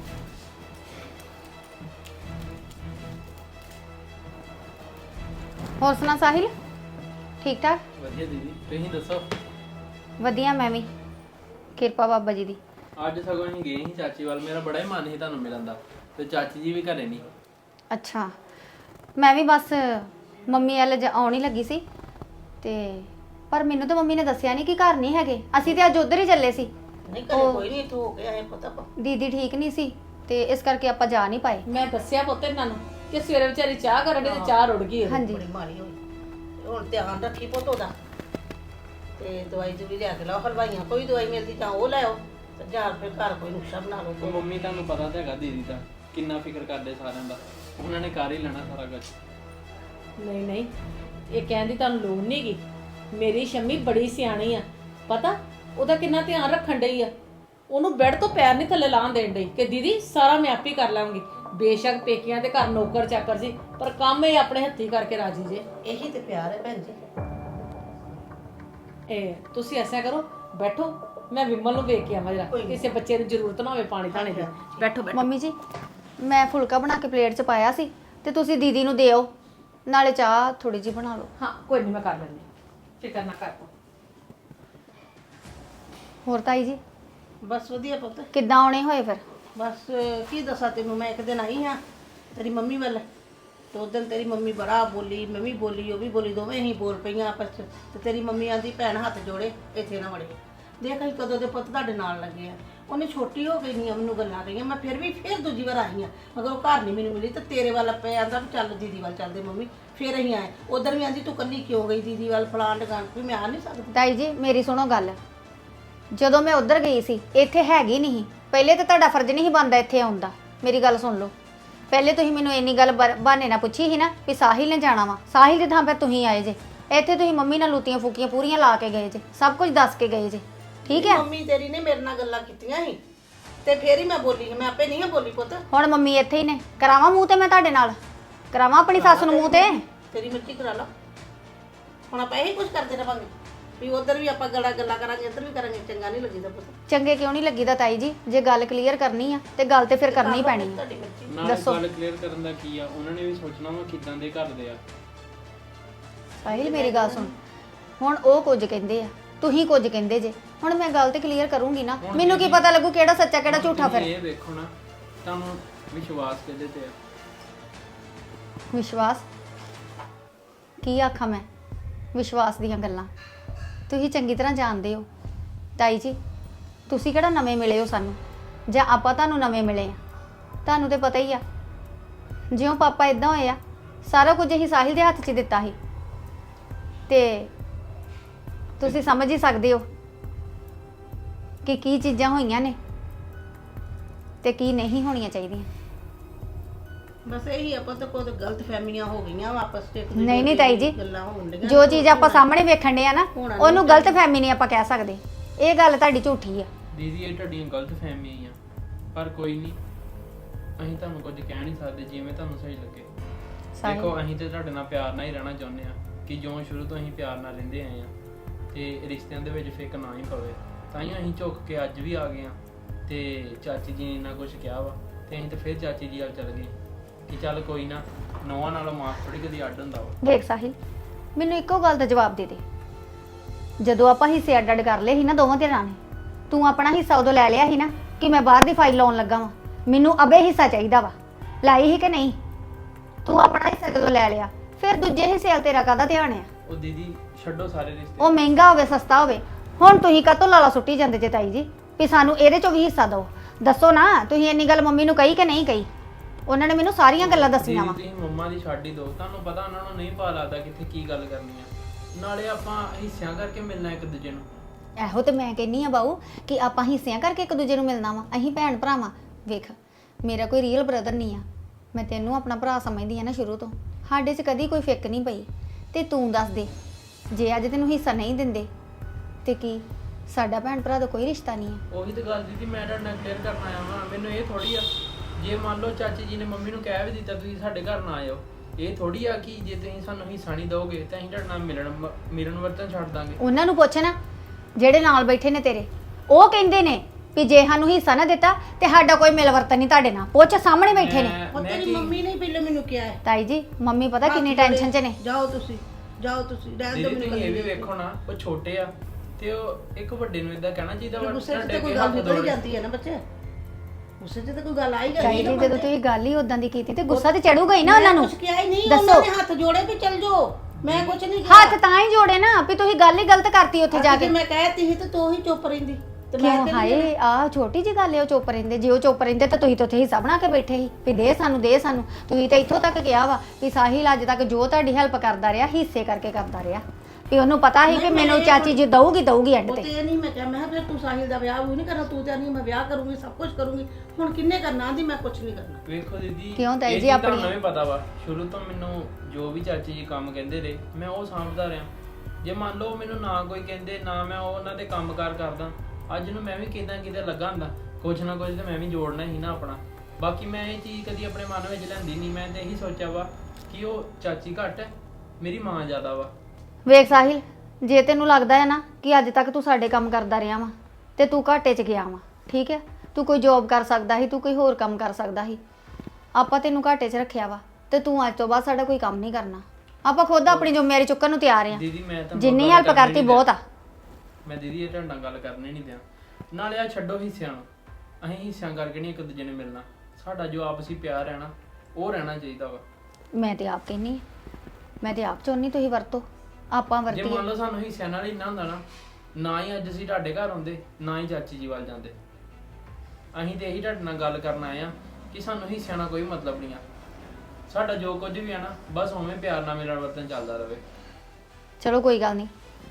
ਹੋਰ ਸੁਣਾ ਸਾਹਿਲ, ਠੀਕ ਠਾਕ?
ਵਧੀਆ ਦੀਦੀ ਤੁਸੀਂ ਦੱਸੋ।
ਵਧੀਆ ਮੈਂ ਵੀ, ਕਿਰਪਾ ਬਾਬਾ ਜੀ ਦੀ।
ਅੱਜ ਸਗੋਂ ਅਸੀਂ ਗਏ ਸੀ ਚਾਚੀ ਵੱਲ, ਮੇਰਾ ਬੜਾ ਹੀ ਮਨ ਸੀ ਤੁਹਾਨੂੰ ਮਿਲਣ ਦਾ, ਤੇ ਚਾਚੀ ਜੀ ਵੀ ਘਰੇ ਨਹੀਂ।
ਅੱਛਾ, ਮੈਂ ਵੀ ਬਸ ਮੰਮੀ ਵੱਲ ਆਉਣ ਹੀ ਲੱਗੀ ਸੀ ਤੇ ਪਰ ਮੈਨੂੰ ਤਾਂ ਮੰਮੀ ਨੇ ਦੱਸਿਆ ਨਹੀਂ ਕਿ ਘਰ ਨਹੀਂ ਹੈਗੇ। ਅਸੀਂ ਤੇ ਅੱਜ ਉਧਰ ਹੀ ਚੱਲੇ ਸੀ।
ਨਹੀਂ ਘਰੇ ਕੋਈ ਨਹੀਂ ਇੱਥੋਂ ਹੋ ਕੇ ਆਏ ਪਤਾ
ਦੀਦੀ ਠੀਕ ਨਹੀਂ ਸੀ ਤੇ ਇਸ ਕਰਕੇ ਆਪਾਂ ਜਾ ਨਹੀਂ ਪਾਏ।
ਮੈਂ ਦੱਸਿਆ ਪੁੱਤ ਇਹਨਾਂ ਨੂੰ ਕਿ ਸਵੇਰੇ ਵਿਚਾਰੀ ਚਾਹ ਕਰਨ ਦੀ ਤੇ ਚਾਹ ਰੁੜ ਗਈ ਉਹਦੀ।
ਹਾਂਜੀ
ਬੜੀ ਮਾਰੀ ਹੋਈ ਹੁਣ ਧਿਆਨ ਰੱਖੀ ਪੁੱਤ ਉਹਦਾ ਤੇ ਦਵਾਈ ਵੀ ਲਿਆ ਕੇ ਲਾਓ ਹਲਵਾਈਆਂ ਕੋਈ ਦਵਾਈ ਮਿਲਦੀ ਤਾਂ ਉਹ ਲੈ ਆਓ ਤੇ ਜਾਂ ਫਿਰ ਘਰ ਕੋਈ ਨੁਕਸਾ ਬਣਾ ਲਓ
ਉਹ ਮੰਮੀ ਤੁਹਾਨੂੰ ਪਤਾ ਤਾਂ ਹੈਗਾ ਦੀਦੀ ਦਾ ਕਿੰਨਾ ਫਿਕਰ ਕਰਦੇ ਸਾਰਿਆਂ ਦਾ, ਉਹਨਾਂ ਨੇ ਕਰ ਹੀ ਲੈਣਾ ਸਾਰਾ ਕੁਝ।
ਨਹੀਂ ਨਹੀਂ, ਇਹ ਕਹਿਣ ਦੀ ਤੁਹਾਨੂੰ ਲੋੜ ਨਹੀਂ ਗੀ। ਮੇਰੀ ਸ਼ੰਮੀ ਬੜੀ ਸਿਆਣੀ ਆ, ਪਤਾ ਉਹਦਾ ਕਿੰਨਾ ਧਿਆਨ ਰੱਖਣ ਡਈ ਆ। ਉਹਨੂੰ ਬੈੱਡ ਤੋਂ ਪੈਰ ਨਹੀਂ ਥੱਲੇ ਲਾਣ ਦੇਣ ਡਈ ਕਿ ਦੀਦੀ ਸਾਰਾ ਮੈਂ ਆਪੇ ਕਰ ਲਾਂਗੀ। ਬੇਸ਼ੱਕ ਪੇਕੀਆਂ ਦੇ ਘਰ ਨੌਕਰ ਚਾਕਰ ਸੀ ਪਰ ਕੰਮ ਇਹ ਆਪਣੇ ਹੱਥੀਂ ਕਰਕੇ ਰਾਜੀ ਜੇ।
ਇਹੀ ਤੇ ਪਿਆਰ ਹੈ ਭੈਣ ਜੀ।
ਇਹ ਤੁਸੀਂ ਐਸਾ ਕਰੋ, ਬੈਠੋ, ਮੈਂ ਵਿਮਲ ਨੂੰ ਵੇਖ ਕੇ ਆਵਾਂ ਜਰਾ, ਕਿਸੇ ਬੱਚੇ ਨੂੰ ਜ਼ਰੂਰਤ ਨਾ ਹੋਵੇ ਪਾਣੀ ਧਾਣੇ ਦੀ। ਬੈਠੋ ਬੈਠੋ।
ਮੰਮੀ ਜੀ, ਮੈਂ ਫੁਲਕਾ ਬਣਾ ਕੇ ਪਲੇਟ 'ਚ ਪਾਇਆ ਸੀ ਤੇ ਤੁਸੀਂ ਦੀਦੀ ਨੂੰ ਦਿਓ, ਨਾਲੇ ਚਾਹ ਥੋੜੀ ਜਿਹੀ ਬਣਾ ਲਓ।
ਹਾਂ ਕੋਈ ਨਹੀਂ, ਮੈਂ ਕਰ ਲੈਂਦੀ, ਫਿਕਰ ਨਾ ਕਰ।
ਹੋਰ ਤਾਈ ਜੀ
ਬਸ ਵਧੀਆ ਪੁੱਤ।
ਕਿੱਦਾਂ ਆਉਣੇ ਹੋਏ ਫਿਰ?
ਬਸ ਕੀ ਦੱਸਾਂ ਤੈਨੂੰ, ਮੈਂ ਇੱਕ ਦਿਨ ਆਈ ਹਾਂ ਤੇਰੀ ਮੰਮੀ ਵੱਲ ਤੇ ਉਸ ਦਿਨ ਤੇਰੀ ਮੰਮੀ ਬੜਾ ਬੋਲੀ, ਮੈਂ ਵੀ ਬੋਲੀ, ਉਹ ਵੀ ਬੋਲੀ, ਦੋਵੇਂ ਹੀ ਬੋਲ ਪਈਆਂ ਆਪਸ 'ਚ ਤੇ ਤੇਰੀ ਮੰਮੀ ਆਂਦੀ ਭੈਣ ਹੱਥ ਜੋੜੇ ਇੱਥੇ ਨਾ ਵੜੇ, ਦੇਖ ਅਸੀਂ ਕਦੋਂ ਦੇ ਪੁੱਤ ਤੁਹਾਡੇ ਨਾਲ ਲੱਗੇ ਆ। ਉਹਨੇ ਛੋਟੀ ਹੋ ਗਈ ਨਹੀਂ ਮੈਨੂੰ ਗੱਲਾਂ ਕਹੀਆਂ, ਮੈਂ ਫਿਰ ਦੂਜੀ ਵਾਰ ਆਈ ਹਾਂ ਮਗਰ ਉਹ ਘਰ ਨਹੀਂ ਮੈਨੂੰ ਮਿਲੀ ਤੇ ਤੇਰੇ ਵੱਲ ਪਏ ਆਂਦਾ ਵੀ ਚੱਲ ਦੀਦੀ ਵੱਲ ਚੱਲਦੇ ਮੰਮੀ। ਫਿਰ ਅਸੀਂ ਆਏ, ਉਧਰ ਵੀ ਆਂਦੀ ਤੂੰ ਕੱਲੀ ਕਿਉਂ ਗਈ ਦੀਦੀ ਵੱਲ ਫਲਾਣ ਟਿਕਾਣ, ਵੀ ਮੈਂ ਆ ਨਹੀਂ ਸਕਦੀ।
ਤਾਈ ਜੀ ਮੇਰੀ ਸੁਣੋ ਗੱਲ, ਜਦੋਂ ਮੈਂ ਉੱਧਰ ਗਈ ਸੀ ਇੱਥੇ ਹੈਗੀ ਨਹੀਂ। ਪਹਿਲੇ ਤਾਂ ਤੁਹਾਡਾ ਫਰਜ਼ ਨਹੀਂ ਬਣਦਾ ਇੱਥੇ ਆਉਣ ਦਾ। ਮੇਰੀ ਗੱਲ ਸੁਣ ਲਓ, ਪਹਿਲੇ ਤੁਸੀਂ ਮੈਨੂੰ ਇੰਨੀ ਗੱਲ ਬਹਾਨੇ ਨਾਲ ਪੁੱਛੀ ਸੀ ਨਾ ਵੀ ਸਾਹਿਲ ਨੇ ਜਾਣਾ ਵਾ, ਸਾਹਿਲ ਦੀ ਥਾਂ 'ਤੇ ਤੁਸੀਂ ਆਏ ਜੇ। ਇੱਥੇ ਤੁਸੀਂ ਮੰਮੀ ਨਾਲ ਲੂਤੀਆਂ ਫੂਕੀਆਂ ਪੂਰੀਆਂ ਲਾ ਕੇ ਗਏ ਜੇ, ਸਭ ਕੁਝ ਦੱਸ ਕੇ ਗਏ ਜੇ, ਠੀਕ ਹੈ?
ਮੰਮੀ ਤੇਰੀ ਨੇ ਮੇਰੇ ਨਾਲ ਗੱਲਾਂ ਕੀਤੀਆਂ ਸੀ ਤੇ ਫੇਰ ਹੀ ਮੈਂ ਬੋਲੀ, ਮੈਂ ਆਪੇ ਨਹੀਂ ਬੋਲੀ ਪੁੱਤ।
ਹੁਣ ਮੰਮੀ ਇੱਥੇ ਹੀ ਨੇ, ਕਰਾਵਾਂ ਮੂੰਹ ਤੇ ਮੈਂ ਤੁਹਾਡੇ ਨਾਲ? ਕਰਾਵਾਂ ਆਪਣੀ ਸੱਸ ਨੂੰ ਮੂੰਹ ਤੇ?
ਤੇਰੀ ਮਰਜ਼ੀ ਕਰਾ ਲਾ। ਹੁਣ ਆਪਾਂ ਇਹੀ ਕੁਝ ਕਰਦੇ ਰਵਾਂਗੇ ਵੀ ਉਧਰ ਵੀ ਆਪਾਂ ਗੱਲਾਂ ਕਰਾਂਗੇ ਇੱਧਰ ਵੀ ਕਰਾਂਗੇ, ਚੰਗਾ ਨਹੀਂ ਲੱਗੀਦਾ ਪੁੱਤ।
ਚੰਗੇ ਕਿਉਂ ਨਹੀਂ ਲੱਗੀਦਾ ਤਾਈ ਜੀ? ਜੇ ਗੱਲ ਕਲੀਅਰ ਕਰਨੀ ਆ ਤੇ ਗੱਲ ਤੇ ਫਿਰ ਕਰਨੀ ਪੈਣੀ ਆ।
ਤੁਹਾਡੀ ਮਰਜ਼ੀ।
ਨਾਲ ਗੱਲ ਕਲੀਅਰ ਕਰਨ ਦਾ ਕੀ ਆ, ਉਹਨਾਂ ਨੇ ਵੀ ਸੋਚਣਾ ਵਾ ਕਿਦਾਂ ਦੇ ਘਰ ਦੇ ਆ।
ਸਾਹਿਲ ਮੇਰੀ ਗੱਲ ਸੁਣ, ਹੁਣ ਉਹ ਕੁਝ ਕਹਿੰਦੇ ਆ, ਤੁਸੀਂ ਕੁਝ ਕਹਿੰਦੇ ਜੇ, ਹੁਣ ਮੈਂ ਗੱਲ ਤੇ ਕਲੀਅਰ ਕਰੂੰਗੀ ਨਾ। ਮੈਨੂੰ ਕੀ ਪਤਾ ਲੱਗੂ ਕਿਹੜਾ ਸੱਚਾ ਕਿਹੜਾ ਝੂਠਾ? ਫਿਰ
ਤੁਸੀਂ ਇਹ ਵੇਖੋ ਨਾ, ਤੁਹਾਨੂੰ ਵਿਸ਼ਵਾਸ ਕਿਹਦੇ ਤੇ ਆ?
ਵਿਸ਼ਵਾਸ ਕੀ ਆਖਾਂ ਮੈਂ? ਵਿਸ਼ਵਾਸ ਦੀਆਂ ਗੱਲਾਂ ਤੁਸੀਂ ਚੰਗੀ ਤਰ੍ਹਾਂ ਜਾਣਦੇ ਹੋ ਤਾਈ ਜੀ। ਤੁਸੀਂ ਕਿਹੜਾ ਨਵੇਂ ਮਿਲੇ ਹੋ ਸਾਨੂੰ, ਜਾਂ ਆਪਾਂ ਤੁਹਾਨੂੰ ਨਵੇਂ ਮਿਲੇ ਆ? ਤੁਹਾਨੂੰ ਤੇ ਪਤਾ ਹੀ ਆ, ਜਿਉਂ ਪਾਪਾ ਇਦਾਂ ਹੋਏ ਆ, ਸਾਰਾ ਕੁਝ ਹੀ ਸਾਹਿਲ ਦੇ ਹੱਥ 'ਚ ਦਿੱਤਾ ਸੀ ਤੇ ਤੁਸੀਂ ਸਮਝ ਹੀ ਸਕਦੇ ਹੋ ਕਿ ਕੀ ਚੀਜ਼ਾਂ ਹੋਈਆਂ ਨੇ ਤੇ ਕੀ ਨਹੀਂ ਹੋਣੀਆਂ ਚਾਹੀਦੀਆਂ।
ਬਸ ਇਹੀ ਆਪਾਂ ਤਾਂ ਕੋਈ ਗਲਤ ਫਹਿਮੀਆਂ ਹੋ ਗਈਆਂ ਆਪਸ ਵਿੱਚ।
ਨਹੀਂ ਨਹੀਂ ਤਾਈ ਜੀ,
ਗੱਲਾਂ ਹੋਣ ਡੀਆਂ।
ਜੋ ਚੀਜ਼ ਆਪਾਂ ਸਾਹਮਣੇ ਵੇਖਣ ਦੇ ਆ ਨਾ, ਉਹਨੂੰ ਗਲਤ ਫਹਿਮੀ ਨਹੀਂ ਆਪਾਂ ਕਹਿ ਸਕਦੇ। ਇਹ ਗੱਲ ਤੁਹਾਡੀ ਝੂਠੀ ਆ
ਦੀਦੀ, ਇਹ ਤੁਹਾਡੀਆਂ ਗਲਤ ਫਹਿਮੀਆਂ ਹੀ ਆ, ਪਰ ਕੋਈ ਨਹੀਂ, ਅਸੀਂ ਤੁਹਾਨੂੰ ਕੁਝ ਕਹਿ ਨਹੀਂ ਸਕਦੇ, ਜਿਵੇਂ ਤੁਹਾਨੂੰ ਸਹੀ ਲੱਗੇ। ਦੇਖੋ ਅਸੀਂ ਤੇ ਤੁਹਾਡੇ ਨਾਲ ਪਿਆਰ ਨਾਲ ਹੀ ਰਹਿਣਾ ਚਾਹੁੰਦੇ ਆ, ਕਿ ਜਿਉਂ ਸ਼ੁਰੂ ਤੋਂ ਅਸੀਂ ਪਿਆਰ ਨਾਲ ਰਹਿੰਦੇ ਆਏ ਆ ਤੇ ਰਿਸ਼ਤਿਆਂ ਦੇ ਵਿੱਚ ਫਿੱਕ ਨਾ ਹੀ ਪਵੇ। ਤਾਂ ਹੀ ਅਸੀਂ ਝੁੱਕ ਕੇ ਅੱਜ ਵੀ ਆ ਗਏ ਆ ਤੇ ਚਾਚੀ ਜੀ ਨੇ ਇੰਨਾ ਕੁਝ ਕਿਹਾ ਵਾ ਤੇ ਅਸੀਂ ਤਾਂ ਫਿਰ ਚਾਚੀ ਜੀ ਵੱਲ ਚੱਲ ਗਏ ਕਿ ਚੱਲ ਕੋਈ ਨਾ, ਨੌਵਾਂ ਨਾਲੋਂ ਮਾਂ ਥੋੜੀ ਕਦੀ ਅੱਡ ਹੁੰਦਾ ਵਾ।
ਦੇਖ ਸਾਹਿਲ, ਮੈਨੂੰ ਇੱਕੋ ਗੱਲ ਦਾ ਜਵਾਬ ਦੇ ਦੇ। ਜਦੋਂ ਆਪਾਂ ਹਿੱਸੇ ਅੱਡ ਅੱਡ ਕਰ ਲਏ ਸੀ ਨਾ ਦੋਵਾਂ ਧਿਰਾਂ ਨੇ, ਤੂੰ ਆਪਣਾ ਹਿੱਸਾ ਉਦੋਂ ਲੈ ਲਿਆ ਸੀ ਨਾ ਕਿ ਮੈਂ ਬਾਹਰ ਦੀ ਫਾਈਲ ਲਾਉਣ ਲੱਗਾ ਵਾਂ, ਮੈਨੂੰ ਅਬੇ ਹਿੱਸਾ ਚਾਹੀਦਾ ਵਾ, ਲਾਈ ਸੀ ਕਿ ਨਹੀਂ? ਤੂੰ ਆਪਣਾ ਹਿੱਸਾ ਕਦੋਂ ਲੈ ਲਿਆ? ਫਿਰ ਦੂਜੇ ਹਿੱਸੇ ਵੱਲ ਤੇਰਾ ਕਾਹਦਾ ਧਿਆਨ ਆ?
ਉਹ ਦੀਦੀ ਛੱਡੋ ਸਾਰੇ ਰਿਸ਼ਤੇ।
ਉਹ ਮਹਿੰਗਾ ਹੋਵੇ ਸਸਤਾ ਹੋਵੇ, ਹੁਣ ਤੁਸੀਂ ਕਾਹਤੋਂ ਲਾਲਾ ਸੁੱਟੀ ਜਾਂਦੇ ਜੇ ਤਾਈ ਜੀ ਵੀ ਸਾਨੂੰ ਇਹਦੇ ਚੋਂ ਵੀ ਹਿੱਸਾ ਦਿਓ? ਦੱਸੋ ਨਾ, ਤੁਸੀਂ ਇੰਨੀ ਗੱਲ ਮੰਮੀ ਨੂੰ ਕਹੀ ਕਿ ਨਹੀਂ ਕਹੀ? ਉਹਨਾਂ ਨੇ ਮੈਨੂੰ ਸਾਰੀਆਂ ਗੱਲਾਂ ਦੱਸੀਆਂ ਵਾ।
ਤੁਸੀਂ ਮੰਮਾ ਦੀ ਛੱਡ ਹੀ ਦਿਓ, ਤੁਹਾਨੂੰ ਪਤਾ ਉਹਨਾਂ ਨੂੰ ਨਹੀਂ ਪਤਾ ਲੱਗਦਾ ਕਿੱਥੇ ਕੀ ਗੱਲ ਕਰਨੀ ਆ। ਨਾਲੇ ਆਪਾਂ ਹਿੱਸਿਆਂ ਕਰਕੇ ਮਿਲਣਾ ਇੱਕ ਦੂਜੇ ਨੂੰ।
ਇਹੋ ਤੇ ਮੈਂ ਕਹਿੰਨੀ ਆ ਬਾਊ ਕਿ ਆਪਾਂ ਹਿੱਸਿਆਂ ਕਰਕੇ ਇੱਕ ਦੂਜੇ ਨੂੰ ਮਿਲਣਾ ਵਾ। ਅਸੀਂ ਭੈਣ ਭਰਾਵਾਂ। ਵੇਖ ਮੇਰਾ ਕੋਈ ਰੀਅਲ ਬ੍ਰਦਰ ਨਹੀਂ ਆ, ਮੈਂ ਤੈਨੂੰ ਆਪਣਾ ਭਰਾ ਸਮਝਦੀ ਆ ਨਾ ਸ਼ੁਰੂ ਤੋਂ। ਸਾਡੇ 'ਚ ਕਦੀ ਕੋਈ ਫਿੱਕ ਨਹੀਂ ਪਈ। ਤੇ ਤੂੰ ਦੱਸ ਦੇ, ਜੇ ਅੱਜ ਤੈਨੂੰ ਹਿੱਸਾ ਨਹੀਂ ਦਿੰਦੇ ਤੇ ਕੀ ਸਾਡਾ ਭੈਣ ਭਰਾ ਦਾ ਕੋਈ ਰਿਸ਼ਤਾ ਨਹੀਂ ਆ?
ਉਹੀ ਤਾਂ ਗੱਲ ਦੀਦੀ ਮੈਂ ਤੁਹਾਡੇ ਨਾਲ ਕਲੀਅਰ ਕਰਨ ਆਇਆ ਵਾਂ। ਮੈਨੂੰ ਇਹ ਥੋੜੀ ਆ ਜੇ ਮੰਨ ਲਓ ਚਾਚੀ ਜੀ ਨੇ ਮੰਮੀ ਨੂੰ ਕਹਿ ਵੀ ਦਿੱਤਾ ਤੁਸੀਂ ਸਾਡੇ ਘਰ ਨਾ ਆਇਓ, ਇਹ ਥੋੜੀ ਆ ਕਿ ਜੇ ਤੁਸੀਂ ਸਾਨੂੰ ਹਿੱਸਾ ਨਹੀਂ ਦਿਓਗੇ ਤਾਂ ਅਸੀਂ ਤੁਹਾਡੇ ਨਾਲ ਮਿਲਣ ਵਰਤਨ ਛੱਡ ਦਾਂਗੇ।
ਉਹਨਾਂ ਨੂੰ ਪੁੱਛ ਨਾ ਜਿਹੜੇ ਨਾਲ ਬੈਠੇ ਨੇ ਤੇਰੇ, ਉਹ ਕਹਿੰਦੇ ਨੇ ਵੀ ਜੇ ਸਾਨੂੰ ਹਿੱਸਾ ਨਾ ਦਿੱਤਾ ਤੇ ਸਾਡਾ ਕੋਈ ਮਿਲਵਰਤਨ ਨਹੀਂ ਤੁਹਾਡੇ ਨਾਲ। ਪੁੱਛ, ਸਾਹਮਣੇ ਬੈਠੇ ਨੇ।
ਉਹ ਤੇਰੀ ਮੰਮੀ ਨੇ ਪਹਿਲਾਂ ਮੈਨੂੰ ਕਿਹਾ ਹੈ
ਤਾਈ ਜੀ ਮੰਮੀ ਪਤਾ ਕਿੰਨੀ ਟੈਨਸ਼ਨ 'ਚ ਨੇ।
ਜਾਓ ਤੁਸੀਂ ਰਹਿਣ ਦੋ
ਦੀਦੀ
ਮੈਨੂੰ
ਤੁਸੀਂ ਇਹ ਵੀ ਵੇਖੋ ਨਾ, ਉਹ ਛੋਟੇ ਆ ਤੇ ਉਹ ਇੱਕ ਵੱਡੇ ਨੂੰ ਇਦਾਂ ਕਹਿਣਾ ਚਾਹੀਦਾ ਵਾ
ਗੁੱਸੇ 'ਚ
ਤੁਹਾਡੇ
ਤਾਂ ਕੋਈ
ਅੱਗੇ
ਗੱਲ
ਹੱਥ
ਨਿਕਲ ਹੀ
ਜੋੜ।
ਜਾਂਦੀ ਹੈ ਨਾ ਬੱਚੇ, ਗੁੱਸੇ 'ਚ ਤਾਂ ਕੋਈ ਗੱਲ ਆਈ
ਤਾਈ
ਜਾਂਦੀ
ਜੀ
ਹੈ
ਜਦੋਂ ਤੁਸੀਂ ਗੱਲ ਹੀ ਉਦਾਂ ਦੀ ਕੀਤੀ ਤੇ ਗੁੱਸਾ ਤੇ ਚੜੂਗਾ ਹੀ ਨਾ ਉਹਨਾਂ ਨੂੰ।
ਕੁਝ ਕਿਹਾ ਹੀ ਨਹੀਂ,
ਦੱਸੋ।
ਉਹਨਾਂ ਨੇ ਹੱਥ ਜੋੜੇ ਵੀ ਚੱਲ ਜਾਓ, ਮੈਂ ਕੁਝ ਨਹੀਂ ਕਿਹਾ।
ਹੱਥ ਤਾਂ ਹੀ ਜੋੜੇ ਨਾ ਵੀ ਤੁਸੀਂ ਗੱਲ ਹੀ ਗਲਤ ਕਰਤੀ ਉੱਥੇ ਜਾ ਕੇ।
ਮੈਂ ਕਹਿਤੀ ਸੀ ਤੇ ਤੂੰ ਹੀ ਚੁੱਪ ਰਹਿੰਦੀ ਤੇ
ਕਿਉਂ?
ਤੇ
ਹਾਏ ਆਹ ਛੋਟੀ ਜੀ ਗੱਲ ਹੈ, ਉਹ ਚੁੱਪ ਰਹਿੰਦੇ। ਜੇ ਉਹ ਚੁੱਪ ਰਹਿੰਦੇ ਤਾਂ ਤੁਸੀਂ ਤਾਂ ਉੱਥੇ ਹਿੱਸਾ ਬਣਾ ਕੇ ਬੈਠੇ ਸੀ ਵੀ ਦੇ ਸਾਨੂੰ ਦੇ ਸਾਨੂੰ। ਤੁਸੀਂ ਤਾਂ ਇੱਥੋਂ ਤੱਕ ਕਿਹਾ ਵਾ ਵੀ ਸਾਹਿਲ ਅੱਜ ਤੱਕ ਜੋ ਤੁਹਾਡੀ ਹੈਲਪ ਕਰਦਾ ਰਿਹਾ ਹਿੱਸੇ ਕਰਕੇ ਕਰਦਾ ਰਿਹਾ, ਵੀ ਉਹਨੂੰ ਪਤਾ ਸੀ ਕਿ ਮੈਨੂੰ ਚਾਚੀ ਜੀ ਦਊਗੀ ਐਂਡ
ਉਹ
ਤੇ।
ਤੇ ਇਹ ਨਹੀਂ ਮੈਂ ਕਿਹਾ, ਮੈਂ ਕਿਹਾ ਫਿਰ ਤੂੰ ਸਾਹਿਲ ਦਾ ਵਿਆਹ ਵੀ ਨਹੀਂ ਕਰਨਾ, ਤੂੰ ਤੇ ਨਹੀਂ ਮੈਂ ਵਿਆਹ ਕਰੂੰਗੀ ਸਭ ਕੁਝ ਕਰੂੰਗੀ, ਹੁਣ ਕਿੰਨੇ ਕਰਨਾ? ਆਂਦੀ ਮੈਂ ਕੁਝ ਨਹੀਂ ਕਰਨਾ।
ਵੇਖੋ ਦੀਦੀ
ਕਿਉਂ ਤਾਈ
ਇਹ
ਜੀ
ਚੀਜ਼
ਆਪਣੀ-
ਤੁਹਾਨੂੰ ਵੀ ਪਤਾ ਵਾ, ਸ਼ੁਰੂ ਤੋਂ ਮੈਨੂੰ ਜੋ ਵੀ ਚਾਚੀ ਜੀ ਕੰਮ ਕਹਿੰਦੇ ਰਹੇ ਮੈਂ ਉਹ ਸਮਝਦਾ ਰਿਹਾ। ਜੇ ਮੰਨ ਲਓ ਮੈਨੂੰ ਨਾ ਕੋਈ ਕਹਿੰਦੇ ਨਾ ਮੈਂ ਉਹਨਾਂ ਦੇ ਕੰਮਕਾਰ ਕਰਦਾ, ਅੱਜ ਨੂੰ ਮੈਂ ਵੀ ਕਿਤੇ ਲੱਗਾ ਹੁੰਦਾ ਕੁਝ ਨਾ ਕੁਝ ਤੇ ਮੈਂ ਵੀ ਜੋੜਨਾ ਹੀ ਨਾ ਆਪਣਾ। ਬਾਕੀ ਮੈਂ ਇਹ ਚੀਜ਼ ਕਦੀ ਆਪਣੇ ਮਨ ਵਿੱਚ ਲੈਂਦੀ ਨਹੀਂ। ਮੈਂ ਤੇ ਇਹੀ ਸੋਚਿਆ ਵਾ ਕਿ ਉਹ ਚਾਚੀ ਘੱਟ ਹੈ, ਮੇਰੀ ਮਾਂ ਜ਼ਿਆਦਾ ਵਾ।
ਵੇਖ ਸਾਹਿਲ, ਜੇ ਤੈਨੂੰ ਲੱਗਦਾ ਹੈ ਨਾ ਕਿ ਅੱਜ ਤੱਕ ਤੂੰ ਸਾਡੇ ਕੰਮ ਕਰਦਾ ਰਿਹਾ ਵਾ ਤੇ ਤੂੰ ਘਾਟੇ 'ਚ ਗਿਆ ਵਾ, ਠੀਕ ਹੈ, ਤੂੰ ਕੋਈ ਜੌਬ ਕਰ ਸਕਦਾ ਸੀ, ਤੂੰ ਕੋਈ ਹੋਰ ਕੰਮ ਕਰ ਸਕਦਾ ਸੀ। ਆਪਾਂ ਤੈਨੂੰ ਘਾਟੇ 'ਚ ਰੱਖਿਆ ਵਾ ਤੇ ਤੂੰ ਅੱਜ ਤੋਂ ਬਾਅਦ ਸਾਡਾ ਕੋਈ ਕੰਮ ਨਹੀਂ ਕਰਨਾ। ਆਪਾਂ ਖੁਦ ਆਪਣੀ ਜ਼ਿੰਮੇਵਾਰੀ ਚੁੱਕਣ ਨੂੰ ਤਿਆਰ ਆ।
ਦੀਦੀ ਮੈਂ ਤਾਂ
ਜਿੰਨੀ ਹੈਲਪ ਕਰਤੀ ਬਹੁਤ ਆ।
ਮੈਂ ਦੀਦੀ ਇਹ ਤੁਹਾਡੇ ਨਾਲ ਗੱਲ ਕਰਨੀ ਨਹੀਂ ਦਿਆਂ। ਨਾਲੇ ਆ ਛੱਡੋ ਹਿੱਸਿਆਂ ਨੂੰ, ਅਸੀਂ ਹਿੱਸਿਆਂ ਕਰਕੇ ਨਹੀਂ ਇੱਕ ਦੂਜੇ ਨੂੰ ਮਿਲਣਾ। ਸਾਡਾ ਜੋ ਆਪਸੀ ਪਿਆਰ ਹੈ ਨਾ ਉਹ ਰਹਿਣਾ ਚਾਹੀਦਾ ਵਾ।
ਮੈਂ ਤੇ ਆਪ ਕਹਿੰਨੀ ਆ, ਮੈਂ ਤੇ ਆਪ ਚਾਹੁੰਦੀ ਤੁਸੀਂ ਵਰਤੋ, ਆਪਾਂ
ਜੇ
ਵਰਤੀਏ।
ਮੰਨ ਲਓ ਸਾਨੂੰ ਹਿੱਸਿਆਂ ਨਾਲ ਇੰਨਾ ਹੁੰਦਾ ਨਾ ਹੀ ਅੱਜ ਅਸੀਂ ਤੁਹਾਡੇ ਘਰ ਆਉਂਦੇ ਨਾ ਹੀ ਚਾਚੀ ਜੀ ਵੱਲ ਜਾਂਦੇ। ਅਸੀਂ ਤੇ ਇਹੀ ਤੁਹਾਡੇ ਨਾਲ ਗੱਲ ਕਰਨ ਆਏ ਆ ਕਿ ਸਾਨੂੰ ਹਿੱਸਿਆਂ ਨਾਲ ਕੋਈ ਮਤਲਬ ਨਹੀਂ ਆ। ਸਾਡਾ ਜੋ ਕੁਝ ਵੀ ਆ ਨਾ ਬਸ ਉਵੇਂ ਪਿਆਰ ਨਾਲ ਮਿਲਣ ਵਰਤਨ ਚੱਲਦਾ ਰਹੇ।
ਚਲੋ ਕੋਈ ਗੱਲ ਨਹੀਂ,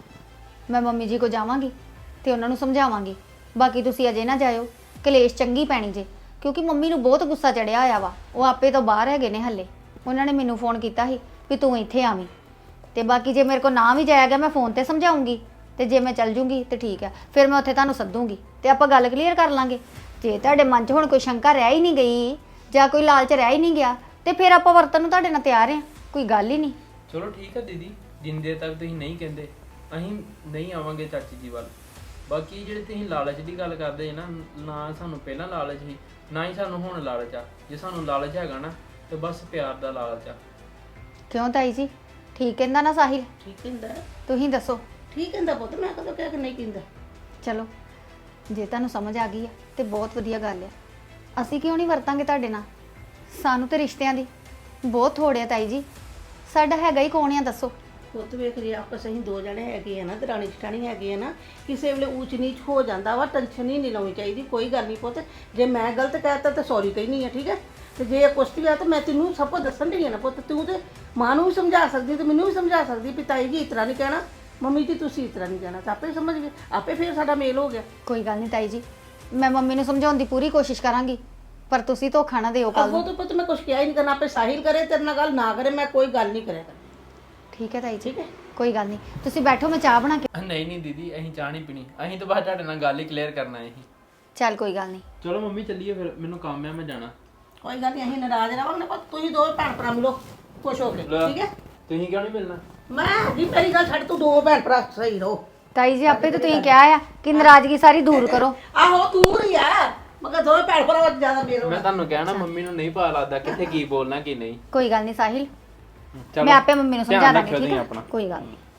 ਮੈਂ ਮੰਮੀ ਜੀ ਕੋ ਜਾਵਾਂਗੀ ਤੇ ਉਹਨਾਂ ਨੂੰ ਸਮਝਾਵਾਂਗੀ। ਬਾਕੀ ਤੁਸੀਂ ਅਜੇ ਨਾ ਜਾਇਓ, ਕਲੇਸ਼ ਚੰਗੀ ਪੈਣੀ ਜੇ, ਕਿਉਂਕਿ ਮੰਮੀ ਨੂੰ ਬਹੁਤ ਗੁੱਸਾ ਚੜਿਆ ਹੋਇਆ ਵਾ। ਉਹ ਆਪੇ ਤੋਂ ਬਾਹਰ ਹੈਗੇ ਨੇ ਹੱਲੇ। ਉਹਨਾਂ ਨੇ ਮੈਨੂੰ ਫੋਨ ਕੀਤਾ ਸੀ ਵੀ ਤੂੰ ਇੱਥੇ ਆਵੀਂ, ਤੇ ਬਾਕੀ ਜੇ ਮੇਰੇ ਕੋ ਨਾ ਵੀ ਜਾਇਆ ਗਿਆ ਮੈਂ ਫੋਨ ਤੇ ਸਮਝਾਉਂਗੀ, ਤੇ ਜੇ ਮੈਂ ਚੱਲ ਜੂੰਗੀ ਤੇ ਠੀਕ ਆ, ਫਿਰ ਮੈਂ ਉੱਥੇ ਤੁਹਾਨੂੰ ਸੱਦੂੰਗੀ ਤੇ ਆਪਾਂ ਗੱਲ ਕਲੀਅਰ ਕਰ ਲਾਂਗੇ। ਜੇ ਤੁਹਾਡੇ ਮਨ 'ਚ ਹੁਣ ਕੋਈ ਸ਼ੰਕਾ ਰਹਿ ਹੀ ਨਹੀਂ ਗਈ ਜਾਂ ਕੋਈ ਲਾਲਚ ਰਹਿ ਹੀ ਨਹੀਂ ਗਿਆ ਤੇ ਫਿਰ ਆਪਾਂ ਵਰਤਨ ਨੂੰ ਤੁਹਾਡੇ ਨਾਲ ਤਿਆਰ ਆ, ਕੋਈ ਗੱਲ ਹੀ ਨਹੀਂ।
ਚਲੋ ਠੀਕ ਆ ਦੀਦੀ, ਜਿੰਨੇ ਤੱਕ ਤੁਸੀਂ ਨਹੀਂ ਕਹਿੰਦੇ ਅਸੀਂ ਨਹੀਂ ਆਵਾਂਗੇ ਚਾਚੀ ਜੀ ਵੱਲ। ਬਾਕੀ ਜਿਹੜੇ ਤੁਸੀਂ ਲਾਲਚ ਦੀ ਗੱਲ ਕਰਦੇ ਨਾ, ਨਾ ਸਾਨੂੰ ਪਹਿਲਾਂ ਲਾਲਚ ਸੀ ਨਾ ਹੀ ਸਾਨੂੰ ਹੁਣ ਲਾਲਚ ਆ। ਜੇ ਸਾਨੂੰ ਲਾਲਚ ਹੈਗਾ ਨਾ ਤੇ ਬਸ ਪਿਆਰ ਦਾ ਲਾਲਚ ਆ।
ਕਿਉਂ ਤਾਈ ਜੀ, ਠੀਕ ਕਹਿੰਦਾ ਨਾ ਸਾਹਿਲ?
ਠੀਕ ਕਹਿੰਦਾ,
ਤੁਸੀਂ ਦੱਸੋ।
ਠੀਕ ਕਹਿੰਦਾ ਪੁੱਤ, ਮੈਂ ਕਦੋਂ ਕਿਹਾ ਕਿ ਨਹੀਂ ਕਹਿੰਦਾ।
ਚਲੋ ਜੇ ਤੁਹਾਨੂੰ ਸਮਝ ਆ ਗਈ ਆ ਤੇ ਬਹੁਤ ਵਧੀਆ ਗੱਲ ਆ। ਅਸੀਂ ਕਿਉਂ ਨਹੀਂ ਵਰਤਾਂਗੇ ਤੁਹਾਡੇ ਨਾਲ? ਸਾਨੂੰ ਤੇ ਰਿਸ਼ਤਿਆਂ ਦੀ ਬਹੁਤ ਥੋੜ੍ਹ ਆ ਤਾਈ ਜੀ, ਸਾਡਾ ਹੈਗਾ ਹੀ ਕੌਣ ਆ ਦੱਸੋ?
ਪੁੱਤ ਵੇਖ ਰਹੀ ਆਪਸ ਅਸੀਂ ਦੋ ਜਣੇ ਹੈਗੇ ਆ ਨਾ, ਦਰਾਣੀ ਜਠਾਣੀ ਹੈਗੇ ਆ ਨਾ, ਕਿਸੇ ਵੇਲੇ ਊਚ ਨੀਚ ਹੋ ਜਾਂਦਾ ਵਾ, ਟੈਨਸ਼ਨ ਹੀ ਨਹੀਂ ਲਾਉਣੀ ਚਾਹੀਦੀ। ਕੋਈ ਗੱਲ ਨਹੀਂ ਪੁੱਤ, ਜੇ ਮੈਂ ਗਲਤ ਕਹਿਤਾ ਤਾਂ ਸੌਰੀ ਕਹਿਨੀ ਆ, ਠੀਕ ਹੈ। ਤੇ ਜੇ ਕੁਛ ਵੀ ਆ ਤਾਂ ਮੈਂ ਤੈਨੂੰ ਸਭ ਕੁਝ ਦੱਸਣ ਦੀ ਆ ਨਾ ਪੁੱਤ। ਤੂੰ ਤੇ ਮਾਂ ਨੂੰ ਵੀ ਸਮਝਾ ਸਕਦੀ ਤੇ ਮੈਨੂੰ ਵੀ ਸਮਝਾ ਸਕਦੀ ਵੀ ਤਾਈ ਜੀ ਇਸ ਤਰ੍ਹਾਂ ਨਹੀਂ ਕਹਿਣਾ, ਮੰਮੀ ਜੀ ਤੁਸੀਂ ਇਸ ਤਰ੍ਹਾਂ ਨਹੀਂ ਕਹਿਣਾ, ਤਾਂ ਆਪੇ ਸਮਝ ਗਏ, ਆਪੇ ਫਿਰ ਸਾਡਾ ਮੇਲ ਹੋ ਗਿਆ।
ਕੋਈ ਗੱਲ ਨਹੀਂ ਤਾਈ ਜੀ, ਮੈਂ ਮੰਮੀ ਨੂੰ ਸਮਝਾਉਣ ਦੀ ਪੂਰੀ ਕੋਸ਼ਿਸ਼ ਕਰਾਂਗੀ, ਪਰ ਤੁਸੀਂ ਧੋਖਾ ਨਾ ਦਿਓ ਕੱਲ
ਅੱਗੋਂ
ਨੂੰ।
ਤੋਂ ਪੁੱਤ ਮੈਂ ਕੁਛ ਕਿਹਾ ਹੀ ਨਹੀਂ ਕਰਨਾ, ਆਪੇ ਸਾਹਿਲ ਕਰੇ ਤੇਰੇ ਨਾਲ ਗੱਲ ਨਾ ਕਰੇ, ਮੈਂ ਕੋਈ ਗੱਲ ਨਹੀਂ ਕਰਿਆ ਕਰਨੀ।
ਠੀਕ ਹੈ ਤਾਈ ਜੀ,
ਠੀਕ ਹੈ।
ਕੋਈ ਗੱਲ ਨਹੀਂ, ਤੁਸੀਂ ਬੈਠੋ, ਮੈਂ ਚਾਹ ਬਣਾ ਕੇ।
ਨਹੀਂ ਨਹੀਂ ਦੀਦੀ, ਅਸੀਂ ਚਾਹ ਨਹੀਂ ਪੀਣੀ, ਅਸੀਂ ਤਾਂ ਬਸ ਤੁਹਾਡੇ ਨਾਲ ਗੱਲ ਹੀ ਕਲੀਅਰ ਕਰਨਾ ਹੈ।
ਚੱਲ ਕੋਈ ਗੱਲ ਨਹੀਂ।
ਚਲੋ ਮੰਮੀ ਚੱਲੀਏ ਫਿਰ, ਮੈਨੂੰ ਕੰਮ ਆ, ਮੈਂ ਜਾਣਾ।
ਕੋਈ ਗੱਲ ਨਹੀਂ, ਅਸੀਂ ਨਾਰਾਜ਼ ਰਹਾਂਗੇ ਪਰ ਤੁਸੀਂ ਦੋਵੇਂ ਭੈਣ ਭਰਾ ਮਿਲੋ ਖੁਸ਼ ਹੋ ਕੇ, ਠੀਕ ਹੈ।
ਤੁਸੀਂ ਕਿਉਂ ਨਹੀਂ ਮਿਲਣਾ?
ਮੈਂ ਜੀ ਮੇਰੀ ਗੱਲ ਛੱਡ, ਤੂੰ ਦੋ ਭੈਣ ਭਰਾ ਸਹੀ ਰਹੋ।
ਤਾਈ ਜੀ ਆਪੇ ਤਾਂ ਤੁਸੀਂ ਕਿਹਾ ਆ ਕਿ ਨਾਰਾਜ਼ਗੀ ਸਾਰੀ ਦੂਰ ਕਰੋ।
ਆਹੋ ਦੂਰ ਹੀ ਆ, ਮਗਰ ਦੋਵੇਂ ਭੈਣ ਭਰਾ ਵਿੱਚ ਜ਼ਿਆਦਾ ਮੇਲ ਹੋ।
ਮੈਂ ਤੁਹਾਨੂੰ ਕਹਿਣਾ ਮੰਮੀ ਨੂੰ ਨਹੀਂ ਪਤਾ ਲੱਗਦਾ ਕਿੱਥੇ ਕੀ ਬੋਲਣਾ ਕੀ ਨਹੀਂ।
ਕੋਈ ਗੱਲ ਨਹੀਂ ਸਾਹਿਲ,
ਚਲੋ
ਮੈਂ ਆਪੇ ਮੰਮੀ ਨੂੰ ਸਮਝਾ
ਧਿਆਨ
ਦਾਂਗੀ,
ਰੱਖਿਓ
ਠੀਕ
ਤੁਸੀਂ
ਹੈ,
ਆਪਣਾ।
ਕੋਈ ਗੱਲ ਨਹੀਂ।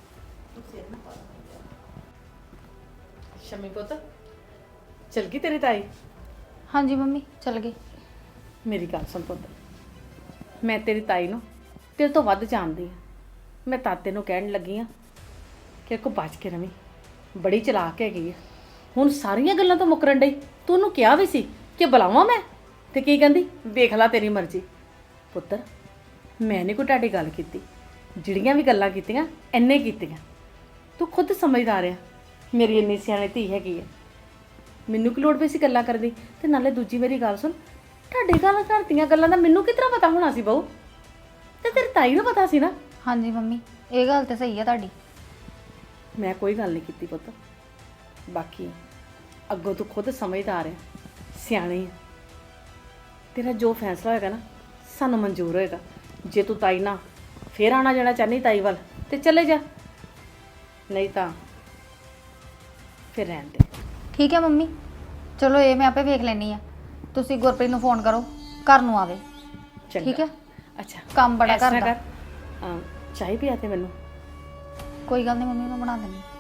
ਸ਼ਮੀ ਪੁੱਤ ਚਲ ਗਈ ਤੇਰੀ ਤਾਈ?
ਹਾਂਜੀ ਮੰਮੀ ਚੱਲ ਗਈ।
ਮੇਰੀ ਗੱਲ ਸੁਣ ਪੁੱਤ, ਮੈਂ ਤੇਰੀ ਤਾਈ ਨੂੰ ਤੇਰੇ ਤੋਂ ਵੱਧ ਜਾਣਦੀ ਆ। ਮੈਂ ਤਾਂ ਤੈਨੂੰ ਕਹਿਣ ਲੱਗੀ ਆ ਕਿ ਕੋ ਬਚ ਕੇ ਰਵੀਂ, ਬੜੀ ਚਲਾਕ ਹੈਗੀ ਆ। ਹੁਣ ਸਾਰੀਆਂ ਗੱਲਾਂ ਤੋਂ ਮੁਕਰਨ ਡਈ। ਤੂੰ ਉਹਨੂੰ ਕਿਹਾ ਵੀ ਸੀ ਕਿ ਬੁਲਾਵਾਂ ਮੈਂ, ਤੇ ਕੀ ਕਹਿੰਦੀ ਵੇਖ ਲੈ ਤੇਰੀ ਮਰਜ਼ੀ। ਪੁੱਤਰ ਮੈਂ ਨਹੀਂ ਕੋਈ ਤੁਹਾਡੀ ਗੱਲ ਕੀਤੀ, ਜਿਹੜੀਆਂ ਵੀ ਗੱਲਾਂ ਕੀਤੀਆਂ ਇੰਨੇ ਕੀਤੀਆਂ। ਤੂੰ ਖੁਦ ਸਮਝਦਾਰ ਆ, ਮੇਰੀ ਇੰਨੀ ਸਿਆਣੀ ਧੀ ਹੈਗੀ ਹੈ। ਮੈਨੂੰ ਕੀ ਲੋੜ ਪਈ ਸੀ ਗੱਲਾਂ ਕਰਨ ਦੀ? ਤੇ ਨਾਲੇ ਦੂਜੀ ਮੇਰੀ ਗੱਲ ਸੁਣ, ਤੁਹਾਡੇ ਘਰ ਦੀਆਂ ਗੱਲਾਂ ਦਾ ਮੈਨੂੰ ਕਿਸ ਤਰ੍ਹਾਂ ਪਤਾ ਹੋਣਾ ਸੀ ਬਹੂ? ਤੇ ਤੇਰੀ ਤਾਈ ਨੂੰ ਪਤਾ ਸੀ ਨਾ।
ਹਾਂਜੀ ਮੰਮੀ, ਇਹ ਗੱਲ ਤੇ ਸਹੀ ਆ ਤੁਹਾਡੀ।
ਮੈਂ ਕੋਈ ਗੱਲ ਨਹੀਂ ਕੀਤੀ ਪੁੱਤ। ਬਾਕੀ ਅੱਗੋਂ ਤੂੰ ਖੁਦ ਸਮਝਦਾਰ ਹੈ, ਸਿਆਣੀ ਹੈ। ਤੇਰਾ ਜੋ ਫੈਸਲਾ ਹੋਏਗਾ ਨਾ ਸਾਨੂੰ ਮਨਜ਼ੂਰ ਹੋਏਗਾ। ਜੇ ਤੂੰ ਤਾਈ ਨਾਲ ਫੇਰ ਆਉਣਾ ਜਾਣਾ ਚਾਹਨੀ ਤਾਈ ਵੱਲ ਤੇ ਚਲੇ ਜਾ, ਨਹੀਂ ਤਾਂ ਫਿਰ ਰਹਿਣ ਦੇ।
ਠੀਕ ਹੈ ਮੰਮੀ, ਚਲੋ ਇਹ ਮੈਂ ਆਪੇ ਵੇਖ ਲੈਣੀ ਆ। ਤੁਸੀਂ ਗੁਰਪ੍ਰੀਤ ਨੂੰ ਫੋਨ ਕਰੋ, ਘਰ ਨੂੰ ਆਵੇ।
ਚੰਗਾ।
ਠੀਕ ਹੈ,
ਅੱਛਾ
ਕੰਮ ਬੜਾ
ਇਸ ਤਰ੍ਹਾਂ
ਕਰਦਾ।
ਚਾਹ ਪਿਆ ਤੇ ਮੈਨੂੰ।
ਕੋਈ ਗੱਲ ਨਹੀਂ ਮੰਮੀ, ਮੈਂ ਬਣਾ ਦਿੰਦੀ।